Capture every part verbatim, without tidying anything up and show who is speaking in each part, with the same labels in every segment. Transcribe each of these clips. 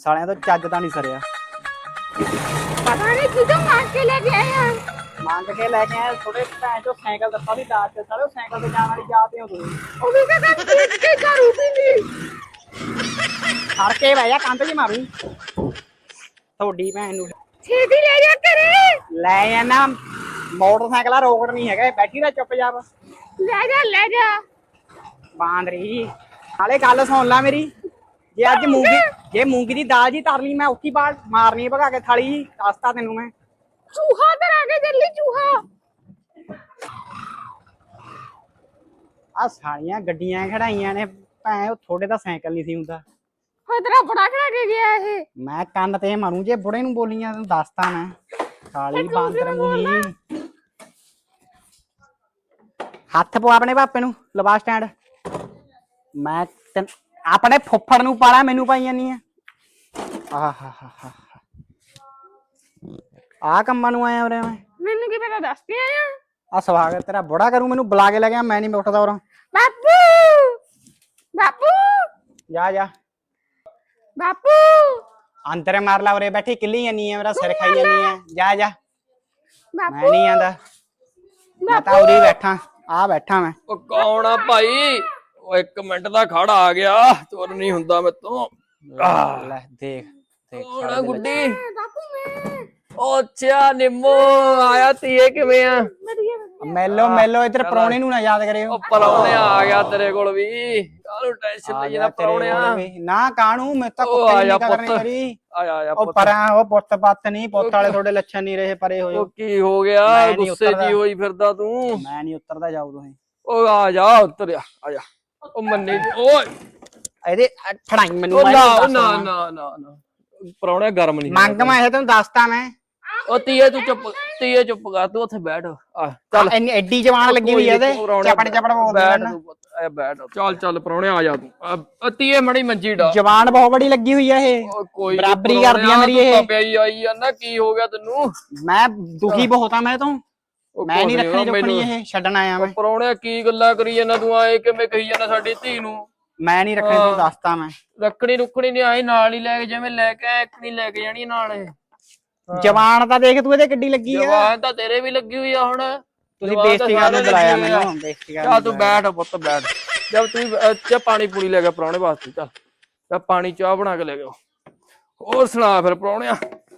Speaker 1: ਸਾਲਿਆਂ ਤੋਂ ਚੱਜ ਤਾਂ ਨਹੀਂ ਸਰਿਆ।
Speaker 2: ਪਤਾ ਨਹੀਂ ਕਿਦੋਂ ਮੰਗ ਕੇ ਲੈ ਕੇ ਆਏ ਆ।
Speaker 1: ਮੰਗ ਕੇ ਲੈ ਕੇ ਆਏ ਥੋੜੇ ਭੈਣ ਚੋ ਸਾਈਕਲ ਦਿੱਤਾ ਵੀ ਦਾਜ ਤੇ ਸਾਲੇ ਸਾਈਕਲ ਤੇ ਜਾਣ ਵਾਲੀ ਜਾਤੇ ਹੋ ਤੁਸੀਂ।
Speaker 2: ਉਹ ਵੀ ਕਹਿੰਦਾ ਖੇਡ ਕੇ ਕਰੂ ਵੀ ਨਹੀਂ।
Speaker 1: ਖੜ ਕੇ ਬਹਿ ਜਾ ਕੰਧ 'ਚ ਮਾਰੂ ਤੁਹਾਡੀ ਭੈਣ ਨੂੰ।
Speaker 2: ਛੇਤੀ ਲੈ ਜਾ ਕਰੇ।
Speaker 1: ਲੈ ਜਾਣਾ ਮੋਟਰਸਾਈਕਲ ਰੋਕੜ ਨਹੀਂ ਹੈਗਾ ਬੈਠੀ ਦਾ ਚੁੱਪ ਜਾ
Speaker 2: ਲੈ ਜਾ ਲੈ ਜਾ
Speaker 1: ਬਾਂਦਰੀ। ਨਾਲੇ ਗੱਲ ਸੁਣ ਲੈ ਮੇਰੀ, ਜੇ ਅੱਜ ਮੂੰਗੀ ਜੇ ਮੂੰਗੀ ਦੀ ਦਾਲ ਜੀ ਤਰ ਲਈ ਮੈਂ ਉੱਥੀ ਬਾਹਰ ਮਾਰਨੀ ਭਗਾ ਕੇ ਥਾਲੀ ਜੀ। ਦੱਸਤਾ ਤੈਨੂੰ ਮੈਂ।
Speaker 2: ਚੂਹਾ ਕਰਾ ਕੇ ਚੱਲੀ ਚੂਹਾ।
Speaker 1: ਆ ਸਾਰੀਆਂ ਗੱਡੀਆਂ ਖੜਾਈਆਂ ਨੇ ਭੈਣ ਉਹ ਥੋੜੇ ਦਾ ਸਾਈਕਲ ਨਹੀਂ ਸੀ ਹੁੰਦਾ।
Speaker 2: ਹੋਏ ਤੇਰਾ ਬੜਾ ਕਰਾ ਕੇ ਗਿਆ ਇਹ।
Speaker 1: ਮੈਂ ਕੰਨ ਤੇ ਮਾਰੂ ਜੇ ਬੁੜੇ ਨੂੰ ਬੋਲੀਆਂ ਤੈਨੂੰ ਦੱਸਤਾ ਮੈਂ। ਕਾਲੀ ਬਾਂਦਰ ਮੂੰਹੀ। ਹੱਥ ਪਵਾ ਆਪਣੇ ਪਾਪੇ ਨੂੰ ਲਵਾ ਸਟੈਂਡ। ਮੈਂ ਆਪਣੇ ਫੁੱਫੜ ਨੂੰ ਪਾਲਾ ਮੈਨੂੰ ਪਾਈ ਜਾਨੀ ਆ। ਆਹ ਹਾ ਹਾ ਹਾ ਆ ਕੰਮਾਂ ਨੂੰ ਆਇਆ ਉਰੇ ਮੈਂ।
Speaker 2: ਮੈਨੂੰ ਕੀ ਪਤਾ ਦੱਸ ਕੇ ਆਇਆ।
Speaker 1: ਆ ਸਵਾਗਤ ਤੇਰਾ ਬੁੜਾ ਕਰੂ ਮੈਨੂੰ ਬੁਲਾ ਕੇ ਲੈ ਗਿਆ। ਮੈਂ ਨਹੀਂ ਉੱਠਦਾ ਉਰੋਂ।
Speaker 2: ਬਾਪੂ ਬਾਪੂ
Speaker 1: ਜਾ ਜਾ
Speaker 2: ਬਾਪੂ
Speaker 1: ਅੰਦਰ ਮਾਰ ਲਾ ਉਰੇ ਬੈਠੀ ਕਿੱਲੀ ਜਾਨੀ ਆ ਮੇਰਾ ਸਿਰ ਖਾਈ ਜਾਨੀ ਆ। ਜਾ ਜਾ ਮੈਂ
Speaker 2: ਬਾਪੂ
Speaker 1: ਨਹੀਂ ਆਂਦਾ। ਮੈਂ ਤਾਂ ਉਰੇ ਬੈਠਾ ਆ ਬੈਠਾ ਮੈਂ।
Speaker 3: ਉਹ ਕੌਣ ਆ ਭਾਈ? ਉਹ ਇੱਕ ਮਿੰਟ ਦਾ ਖੜਾ ਆ ਗਿਆ ਤੁਰ ਨਹੀਂ ਹੁੰਦਾ ਮੈਥੋਂ।
Speaker 1: ਲੈ ਦੇਖ ਦੇਖ
Speaker 3: ਕੌਣ ਆ ਗੁੱਡੀ?
Speaker 2: ਬਾਪੂ ਮੈਂ
Speaker 3: ਉਹ ਅੱਛਾ ਨਿੰਮੋ ਆਇਆ ਧੀਏ ਕਿਵੇਂ ਆ?
Speaker 2: ਵਧੀਆ
Speaker 1: ਮੈਲੋ ਮੈਲੋ ਇੱਧਰ ਪ੍ਰਾਹੁਣੇ ਨੂੰ ਨਾ ਯਾਦ ਕਰਿਓ।
Speaker 3: ਉਹ ਪਰੌਣਿਆ ਆ ਗਿਆ ਤੇਰੇ ਕੋਲ ਵੀ। ਕਾਹਨੂੰ ਟੈਨਸ਼ਨ ਲਈ ਨਾ ਪਰੌਣਿਆ।
Speaker 1: ਨਾ ਕਾਹਨੂੰ ਮੈਂ ਤਾਂ
Speaker 3: ਉਹ
Speaker 1: ਕੁੱਤੇ
Speaker 3: ਆ ਜਾ
Speaker 1: ਨਹੀਂ ਕਰਨੀ
Speaker 3: ਪੁੱਤ।
Speaker 1: ਕਰੀ।
Speaker 3: ਆਇਆ ਆਇਆ
Speaker 1: ਉਹ
Speaker 3: ਪੁੱਤ।
Speaker 1: ਪਰਾਂ ਉਹ ਪੁੱਤ ਪੱਤ ਨਹੀਂ ਪੁੱਤ ਵਾਲੇ ਤੁਹਾਡੇ ਲੱਛਣ ਨਹੀਂ ਰਹੇ ਪਰੇ ਹੋ
Speaker 3: ਉਹ
Speaker 1: ਜਾਓ।
Speaker 3: ਕੀ ਹੋ ਗਿਆ
Speaker 1: ਮੈਂ ਨੀ
Speaker 3: ਗੁੱਸੇ
Speaker 1: ਉਤਰਦਾ।
Speaker 3: ਜੀ ਹੋਈ ਫਿਰਦਾ ਤੂੰ?
Speaker 1: ਮੈਂ ਨਹੀਂ ਉਤਰਦਾ ਜਾਓ ਤੁਸੀਂ।
Speaker 3: ਉਹ ਆ ਜਾ ਉਤਰਿਆ ਆ ਜਾ। ਉਹ ਮੰਨੇ ਓਏ
Speaker 1: ਇਹਦੇ ਠੜਾਈ ਮੈਨੂੰ
Speaker 3: ਉਹ
Speaker 1: ਮੈਂ
Speaker 3: ਨਾ
Speaker 1: ਇਹਨੂੰ
Speaker 3: ਉਹ ਨਾ
Speaker 1: ਦੱਸਦਾ।
Speaker 3: ਨਾ ਨਾ ਨਾ ਪਰੌਣਿਆ ਗਰਮ ਨਹੀਂ
Speaker 1: ਮੰਗ ਮੈਂ ਇਹ ਤੈਨੂੰ ਦੱਸਤਾ ਮੈਂ।
Speaker 3: ਉਹ ਤੀਏ ਤੂੰ ਚੁੱਪ ਤੀਏ ਚੁੱਪ ਕਰ ਤੂੰ ਉੱਥੇ ਬੈਠ ਆ ਚੱਲ।
Speaker 1: ਇੰਨੀ ਐਡੀ ਜਵਾਨ ਲੱਗੀ ਹੋਈ ਆ ਇਹਦੇ ਚਪੜ ਚਪੜ ਬੋਲਦਾ
Speaker 3: ਬੈਠ
Speaker 1: ਨਾ।
Speaker 3: ਤੂੰ ਪੁੱਤ ਐ ਬੈਠ ਚੱਲ ਚੱਲ ਪਰੌਣਿਆ ਆ ਜਾ ਤੂੰ ਆ ਤੀਏ ਮੜੀ ਮੰਜੀ ਡਾ।
Speaker 1: ਜਵਾਨ ਬਹੁਤ ਬੜੀ ਲੱਗੀ ਹੋਈ ਆ ਇਹ।
Speaker 3: ਉਹ ਕੋਈ ਨੀ
Speaker 1: ਬਰਾਬਰੀ
Speaker 3: ਪਰਾਹੁਣਿਆ,
Speaker 1: ਕਰਦੀ ਆ ਮੇਰੀ
Speaker 3: ਤੂੰ
Speaker 1: ਇਹ।
Speaker 3: ਤਾਂ ਪਿਆਈ ਆਈ ਆ ਨਾ ਕੀ ਹੋ ਗਿਆ ਤੈਨੂੰ?
Speaker 1: ਮੈਂ ਦੁਖੀ ਬਹੁਤ ਆ ਮੈਂ ਤੋਂ।
Speaker 3: ਉਹ
Speaker 1: ਮੈਂ ਨਹੀਂ
Speaker 3: ਕੁਛ
Speaker 1: ਰੱਖਣੀ
Speaker 3: ਨੀ,
Speaker 1: ਰੁਕਣੀ
Speaker 3: ਮੈਨੂੰ-
Speaker 1: ਇਹ ਛੱਡਣ ਆਇਆ ਮੈਂ।
Speaker 3: ਪਰੌਣਿਆ ਕੀ ਗੱਲਾਂ ਕਰੀ ਜਾਂਦਾ ਤੂੰ? ਆਏ ਕਿਵੇਂ ਕਹੀ ਜਾਂਦਾ ਸਾਡੀ ਧੀ ਨੂੰ?
Speaker 1: ਮੈਂ ਨਹੀਂ ਰੱਖਣੀ ਤੈਨੂੰ ਦੱਸਤਾ ਮੈਂ।
Speaker 3: ਰੱਖਣੀ ਰੁਕਣੀ ਨਹੀਂ ਆਈ ਨਾਲ ਹੀ ਲੈ ਕੇ ਜਿਵੇਂ ਲੈ ਕੇ ਆਇਆ ਇੱਕ ਨਹੀਂ ਲੈ ਕੇ ਜਾਣੀ ਨਾਲ ਇਹ।
Speaker 1: ਜਵਾਨ ਤਾਂ ਦੇਖ ਤੂੰ ਇਹਦੇ ਕਿੱਡੀ ਲੱਗੀ ਆ।
Speaker 3: ਜਵਾਨ ਤਾਂ ਤੇਰੇ ਵੀ ਲੱਗੀ ਹੋਈ ਆ ਹੁਣ।
Speaker 1: ਤੁਸੀਂ
Speaker 3: ਜਵਾਨ ਤਾਂ
Speaker 1: ਬੇਇੱਜ਼ਤੀ ਕਰਨ ਨੂੰ
Speaker 3: ਸਾਰੇ
Speaker 1: ਬੁਲਾਇਆ
Speaker 3: ਲੱਗੇ ਹੋਏ ਆ।
Speaker 1: ਮੈਨੂੰ ਬੇਇੱਜ਼ਤੀ ਕਰਨ
Speaker 3: ਜਾ
Speaker 1: ਨੂੰ
Speaker 3: ਤੂੰ
Speaker 1: ਬੁਲਾਇਆ।
Speaker 3: ਬੈਠ ਪੁੱਤ ਬੈਠ। ਜਦ ਤੂੰ ਚ ਪਾਣੀ ਪੂਰੀ ਲੈ ਗਿਆ ਪਰੌਣੇ ਵਾਸਤੇ ਚੱਲ ਜਾ ਪਾਣੀ ਚਾਹ ਬਣਾ ਕੇ ਲੈ ਗਿਆ। ਹੋਰ ਸੁਣਾ ਫਿਰ ਪਰੌਣਿਆ।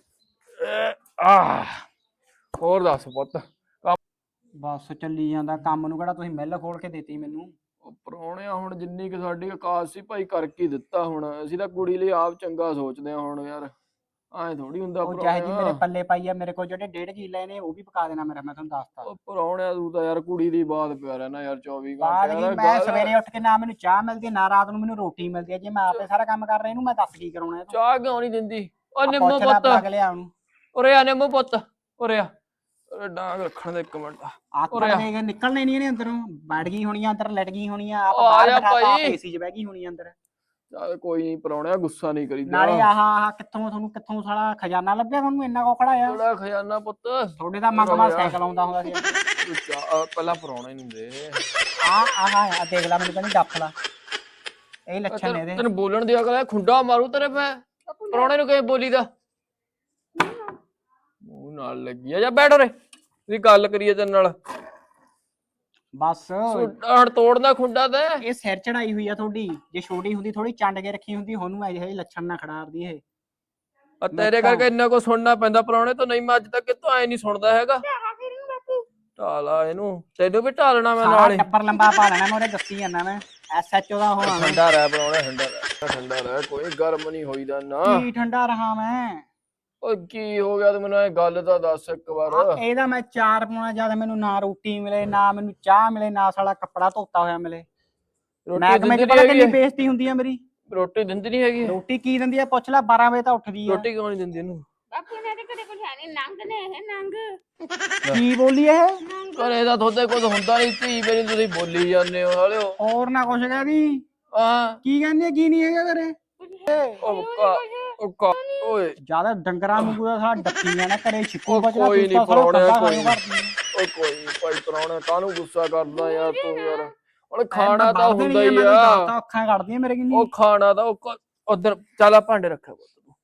Speaker 3: ਆਹ ਹੋਰ ਦੱਸ ਪੁੱਤ।
Speaker 1: ਬਸ ਚੱਲੀ ਜਾਂਦਾ ਕੰਮ ਨੂੰ ਕਿਹੜਾ ਤੁਸੀਂ ਮਿੱਲ ਖੋਲ ਕੇ ਦਿੱਤੀ ਮੈਨੂੰ।
Speaker 3: ਉਹ ਪਰੌਣਿਆ ਹੁਣ ਜਿੰਨੀ ਕਿ ਸਾਡੀ ਔਕਾਤ ਸੀ ਭਾਈ ਕਰਕੇ ਦਿੱਤਾ। ਹੁਣ ਅਸੀਂ ਤਾਂ ਕੁੜੀ ਲਈ ਆਪ ਚੰਗਾ ਸੋਚਦੇ ਆ ਹੁਣ ਯਾਰ ਐਂ ਥੋੜੀ ਹੁੰਦਾ
Speaker 1: ਉਹ ਚਾਹੇ ਜੀ ਮੇਰੇ
Speaker 3: ਪਰੌਣਿਆ।
Speaker 1: ਪੱਲੇ ਪਾਈ ਆ ਮੇਰੇ ਕੋਲ ਜਿਹੜੇ ਡੇਢ ਕਿੱਲੇ ਨੇ ਉਹ ਵੀ ਪਕਾ ਦੇਣਾ ਮੇਰਾ ਮੈਂ ਤੁਹਾਨੂੰ ਦੱਸਤਾ।
Speaker 3: ਉਹ ਪਰੌਣਿਆ ਤੂੰ ਤਾਂ ਯਾਰ ਕੁੜੀ ਦੀ ਬਾਤ ਪਿਆ ਰਹਿਣਾ ਯਾਰ ਚੌਵੀ
Speaker 1: ਬਾਅਦ
Speaker 3: ਘੰਟੇ
Speaker 1: ਕੀ
Speaker 3: ਯਾਰ
Speaker 1: ਮੈਂ
Speaker 3: ਗੱਲ-
Speaker 1: ਸਵੇਰੇ ਉੱਠ ਕੇ ਨਾ ਮੈਨੂੰ ਚਾਹ ਮਿਲਦੀ ਨਾ ਰਾਤ ਨੂੰ ਮੈਨੂੰ ਰੋਟੀ ਮਿਲਦੀ ਹੈ। ਜੇ ਮੈਂ ਆਪੇ ਸਾਰਾ ਕੰਮ ਕਰ ਰਿਹਾ ਇਹਨੂੰ ਮੈਂ ਦੱਸ ਕੀ ਕਰਾਉਣਾ ਇਹ ਤੋਂ।
Speaker 3: ਚਾਹ ਕਿਉਂ ਨਹੀਂ ਦਿੰਦੀ? ਉਹ
Speaker 1: ਆ
Speaker 3: ਨਿੰਮੋ
Speaker 1: ਪੁੱਛ ਲੈ
Speaker 3: ਪੁੱਤ
Speaker 1: ਪਲੱਗ ਲਿਆ ਉਹਨੂੰ।
Speaker 3: ਉਰੇ ਆ ਨਿੰਮੋ ਪੁੱਤ ਉਰੇ ਆ। ਉਰੇ ਡਾਂਗ ਰੱਖਣ ਦੇ ਇੱਕ ਮਿੰਟ।
Speaker 1: ਆਕੜ ਦੇ ਕੇ ਨਿਕਲਣਾ ਨਹੀਂ ਇਹਨੇ ਅੰਦਰੋਂ। ਬੈਠ ਗਈ ਹੋਣੀ ਆ ਅੰਦਰ ਲਟ ਗਈ ਹੋਣੀ ਆ ਆਪ
Speaker 3: ਉਹ ਆ
Speaker 1: ਬਾਹਰ
Speaker 3: ਜਾ
Speaker 1: ਬਿਠਾਤਾ ਆਪ
Speaker 3: ਭਾਈ।
Speaker 1: ਏਸੀ 'ਚ ਬਹਿ ਗਈ ਹੋਣੀ ਆ ਅੰਦਰ।
Speaker 3: ਚੱਲ ਕੋਈ ਨਹੀਂ ਪਰੌਣਿਆ ਗੁੱਸਾ ਨਹੀਂ ਕਰੀਦਾ।
Speaker 1: ਨਾਲੇ ਆਹ ਆਹ ਕਿੱਥੋਂ ਤੁਹਾਨੂੰ ਕਿੱਥੋਂ ਸਾਲਾ ਖਜ਼ਾਨਾ ਲੱਭਿਆ ਤੁਹਾਨੂੰ ਇੰਨਾ ਕੋਖੜਾ ਆ।
Speaker 3: ਥੋੜਾ ਖਜ਼ਾਨਾ ਪੁੱਤ
Speaker 1: ਤੁਹਾਡੇ ਦਾ ਮੰਗਮਾ ਸਾਈਕਲ ਆਉਂਦਾ ਹੁੰਦਾ ਸੀ।
Speaker 3: ਤੂੰ ਚਾਹ ਪਹਿਲਾਂ ਪਰੌਣੇ ਨੂੰ ਦੇ।
Speaker 1: ਆ ਆਹ ਆ ਦੇਖ ਲੈ ਮੈਨੂੰ ਕਹਿੰਦੀ ਡੱਫ ਲਾ। ਇਹ ਲੱਛਣ ਨੇ ਇਹਦੇ।
Speaker 3: ਤੈਨੂੰ ਬੋਲਣ ਦੀ ਅਕਲ ਹੈ? ਖੁੰਡਾ ਮਾਰੂ ਤੇਰੇ ਪੈ। ਪਰੌਣੇ ਨੂੰ ਕਿਵੇਂ ਬੋਲੀਦਾ? ਮੂੰਹ ਨਾਲ ਲੱਗੀ ਆ। ਜਾ ਬੈਠ ਉਰੇ ਤੁਸੀਂ ਗੱਲ ਕਰੀਏ ਤੇਰੇ ਨਾਲ।
Speaker 1: ਬਸ
Speaker 3: ਹਣ ਤੋੜਨਾ ਖੁੰਡਾ ਤੇ।
Speaker 1: ਇਹ ਸਿਰ ਚੜਾਈ ਹੋਈ ਆ ਤੁਹਾਡੀ। ਜੇ ਛੋਟੀ ਹੁੰਦੀ ਥੋੜੀ ਚੰਡ ਕੇ ਰੱਖੀ ਹੁੰਦੀ ਉਹਨੂੰ ਇਹੋ ਜਿਹੇ ਲੱਛਣ ਨਾ ਖੜਾਰਦੀ ਇਹ।
Speaker 3: ਆ ਤੇਰੇ ਕਰਕੇ ਇੰਨਾ ਕੋ ਸੁਣਨਾ ਪੈਂਦਾ ਪਰੌਣੇ ਤੋਂ। ਨਹੀਂ ਮੈਂ ਅੱਜ ਤੱਕ ਕਿਤੋਂ ਐ ਨਹੀਂ ਸੁਣਦਾ ਹੈਗਾ। ਢਾਲਾ ਇਹਨੂੰ ਤੈਨੂੰ ਵੀ ਢਾਲਣਾ ਮੈਂ
Speaker 1: ਸਾਰਾ
Speaker 3: ਨਾਲ ਹੀ।
Speaker 1: ਟੱਬਰ ਲੰਬਾ ਪਾ ਲੈਣਾ ਮੈਂ ਉਹਦੇ ਦੱਸੀ ਜਾਂਦਾ ਮੈਂ। ਐਸ ਐਚ ਓ ਦਾ ਹੋਣਾ ਮੈਂ।
Speaker 3: ਠੰਡਾ ਰਹਿ ਪਰੌਣੇ ਠੰਡਾ ਰਹਿ ਠੰਡਾ ਰਹਿ ਕੋਈ ਗਰਮ ਨਹੀਂ ਹੋਈਦਾ ਨਾ।
Speaker 1: ਕੀ ਠੰਡਾ ਰਹਾ ਮੈਂ।
Speaker 3: ਓ ਕੀ ਹੋ ਗਿਆ ਤੂੰ ਮੈਨੂੰ ਇਹ ਗੱਲ ਤਾਂ ਦੱਸ ਇੱਕ ਵਾਰ।
Speaker 1: ਆ ਇਹਦਾ ਮੈਂ ਚਾਰ ਪਾਉਣਾ ਜਦ ਮੈਨੂੰ ਨਾ ਰੋਟੀ ਮਿਲੇ ਨਾ ਮੈਨੂੰ ਚਾਹ ਮਿਲੇ ਨਾ ਸਾਲਾ ਕੱਪੜਾ ਧੋਤਾ ਹੋਇਆ ਮਿਲੇ। ਮੈਂ
Speaker 3: ਰੋਟੀ
Speaker 1: ਕਿਵੇਂ
Speaker 3: ਦਿੰਦੀ
Speaker 1: ਪਤਾ
Speaker 3: ਨਹੀਂ
Speaker 1: ਕਿੰਨੀ
Speaker 3: ਹੈਗੀ?
Speaker 1: ਬੇਇੱਜ਼ਤੀ ਹੁੰਦੀ ਆ ਮੇਰੀ।
Speaker 3: ਰੋਟੀ ਦਿੰਦੀ ਨਹੀਂ ਹੈਗੀ?
Speaker 1: ਰੋਟੀ ਕੀ ਦਿੰਦੀ ਆ ਪੁੱਛ ਲੈ। ਬਾਰਾਂ ਵਜੇ ਤਾਂ ਉੱਠਦੀ ਆ।
Speaker 3: ਰੋਟੀ ਕਿਉਂ ਨਹੀਂ ਦਿੰਦੀ ਇਹਨੂੰ?
Speaker 2: ਬਾਪੂ ਨੇ ਤੇ ਕਦੇ ਕੁਝ ਹੈ ਨਹੀਂ ਨੰਗ ਨੇ ਇਹ ਨੰਗ।
Speaker 1: ਕੀ ਬੋਲੀ ਇਹ।
Speaker 3: ਘਰੇ ਤਾਂ ਤੁਹਾਡੇ ਕੁਝ ਹੁੰਦਾ ਨਹੀਂ ਧੀ ਮੇਰੀ ਤੁਸੀਂ ਬੋਲੀ ਜਾਂਦੇ ਹੋ ਹਾਲਿਓ।
Speaker 1: ਹੋਰ ਨਾ ਕੁਛ ਕਹਿਦੀ।
Speaker 3: ਹਾਂ
Speaker 1: ਕੀ ਕਹਿੰਦੀ ਆ ਕੀ ਨਹੀਂ ਹੈਗਾ ਘਰੇ।
Speaker 3: ਉਹ ਕਾ ਉਹ ਕਾ ਓਏ
Speaker 1: ਜਿਆਦਾ ਡੰਗਰਾਂ ਨੂੰ ਦਾ ਸਾਲਾ ਡੱਕੀਆਂ ਨਾ ਕਰੇ ਛਿੱਕੂ
Speaker 3: ਉਹ
Speaker 1: ਬਚਣਾ
Speaker 3: ਕੋਈ ਨੀ
Speaker 1: ਤੂੰ ਤਾਂ ਸਾਲਾ
Speaker 3: ਪਰੌਣਿਆ,
Speaker 1: ਖੱਬਾ
Speaker 3: ਕੋਈ
Speaker 1: ਸਾਨੂੰ
Speaker 3: ਨੀ।
Speaker 1: ਕਰਦੀ।
Speaker 3: ਓਏ ਕੋਈ ਨੀ ਭਾਈ ਪਰੌਣੇ ਕਾਹਨੂੰ ਗੁੱਸਾ ਕਰਦਾ ਯਾਰ ਤੂੰ ਯਾਰ। ਹੁਣ
Speaker 1: ਮੈਂ
Speaker 3: ਖਾਣਾ ਤਾਂ
Speaker 1: ਵੱਢ ਦੇਣੀ
Speaker 3: ਹੁੰਦਾ
Speaker 1: ਆ,
Speaker 3: ਹੀ
Speaker 1: ਮੈਂ ਤਾਂ
Speaker 3: ਆ।
Speaker 1: ਦੱਸਤਾ ਅੱਖਾਂ ਕੱਢਦੀਆਂ ਮੇਰੇ ਕਿੰਨੀ।
Speaker 3: ਉਹ ਖਾਣਾ ਤਾਂ ਉਹ ਉਧਰ ਚੱਲ ਆ ਭਾਂਡੇ ਰੱਖਿਆ ਪੁੱਤ ਤੂੰ।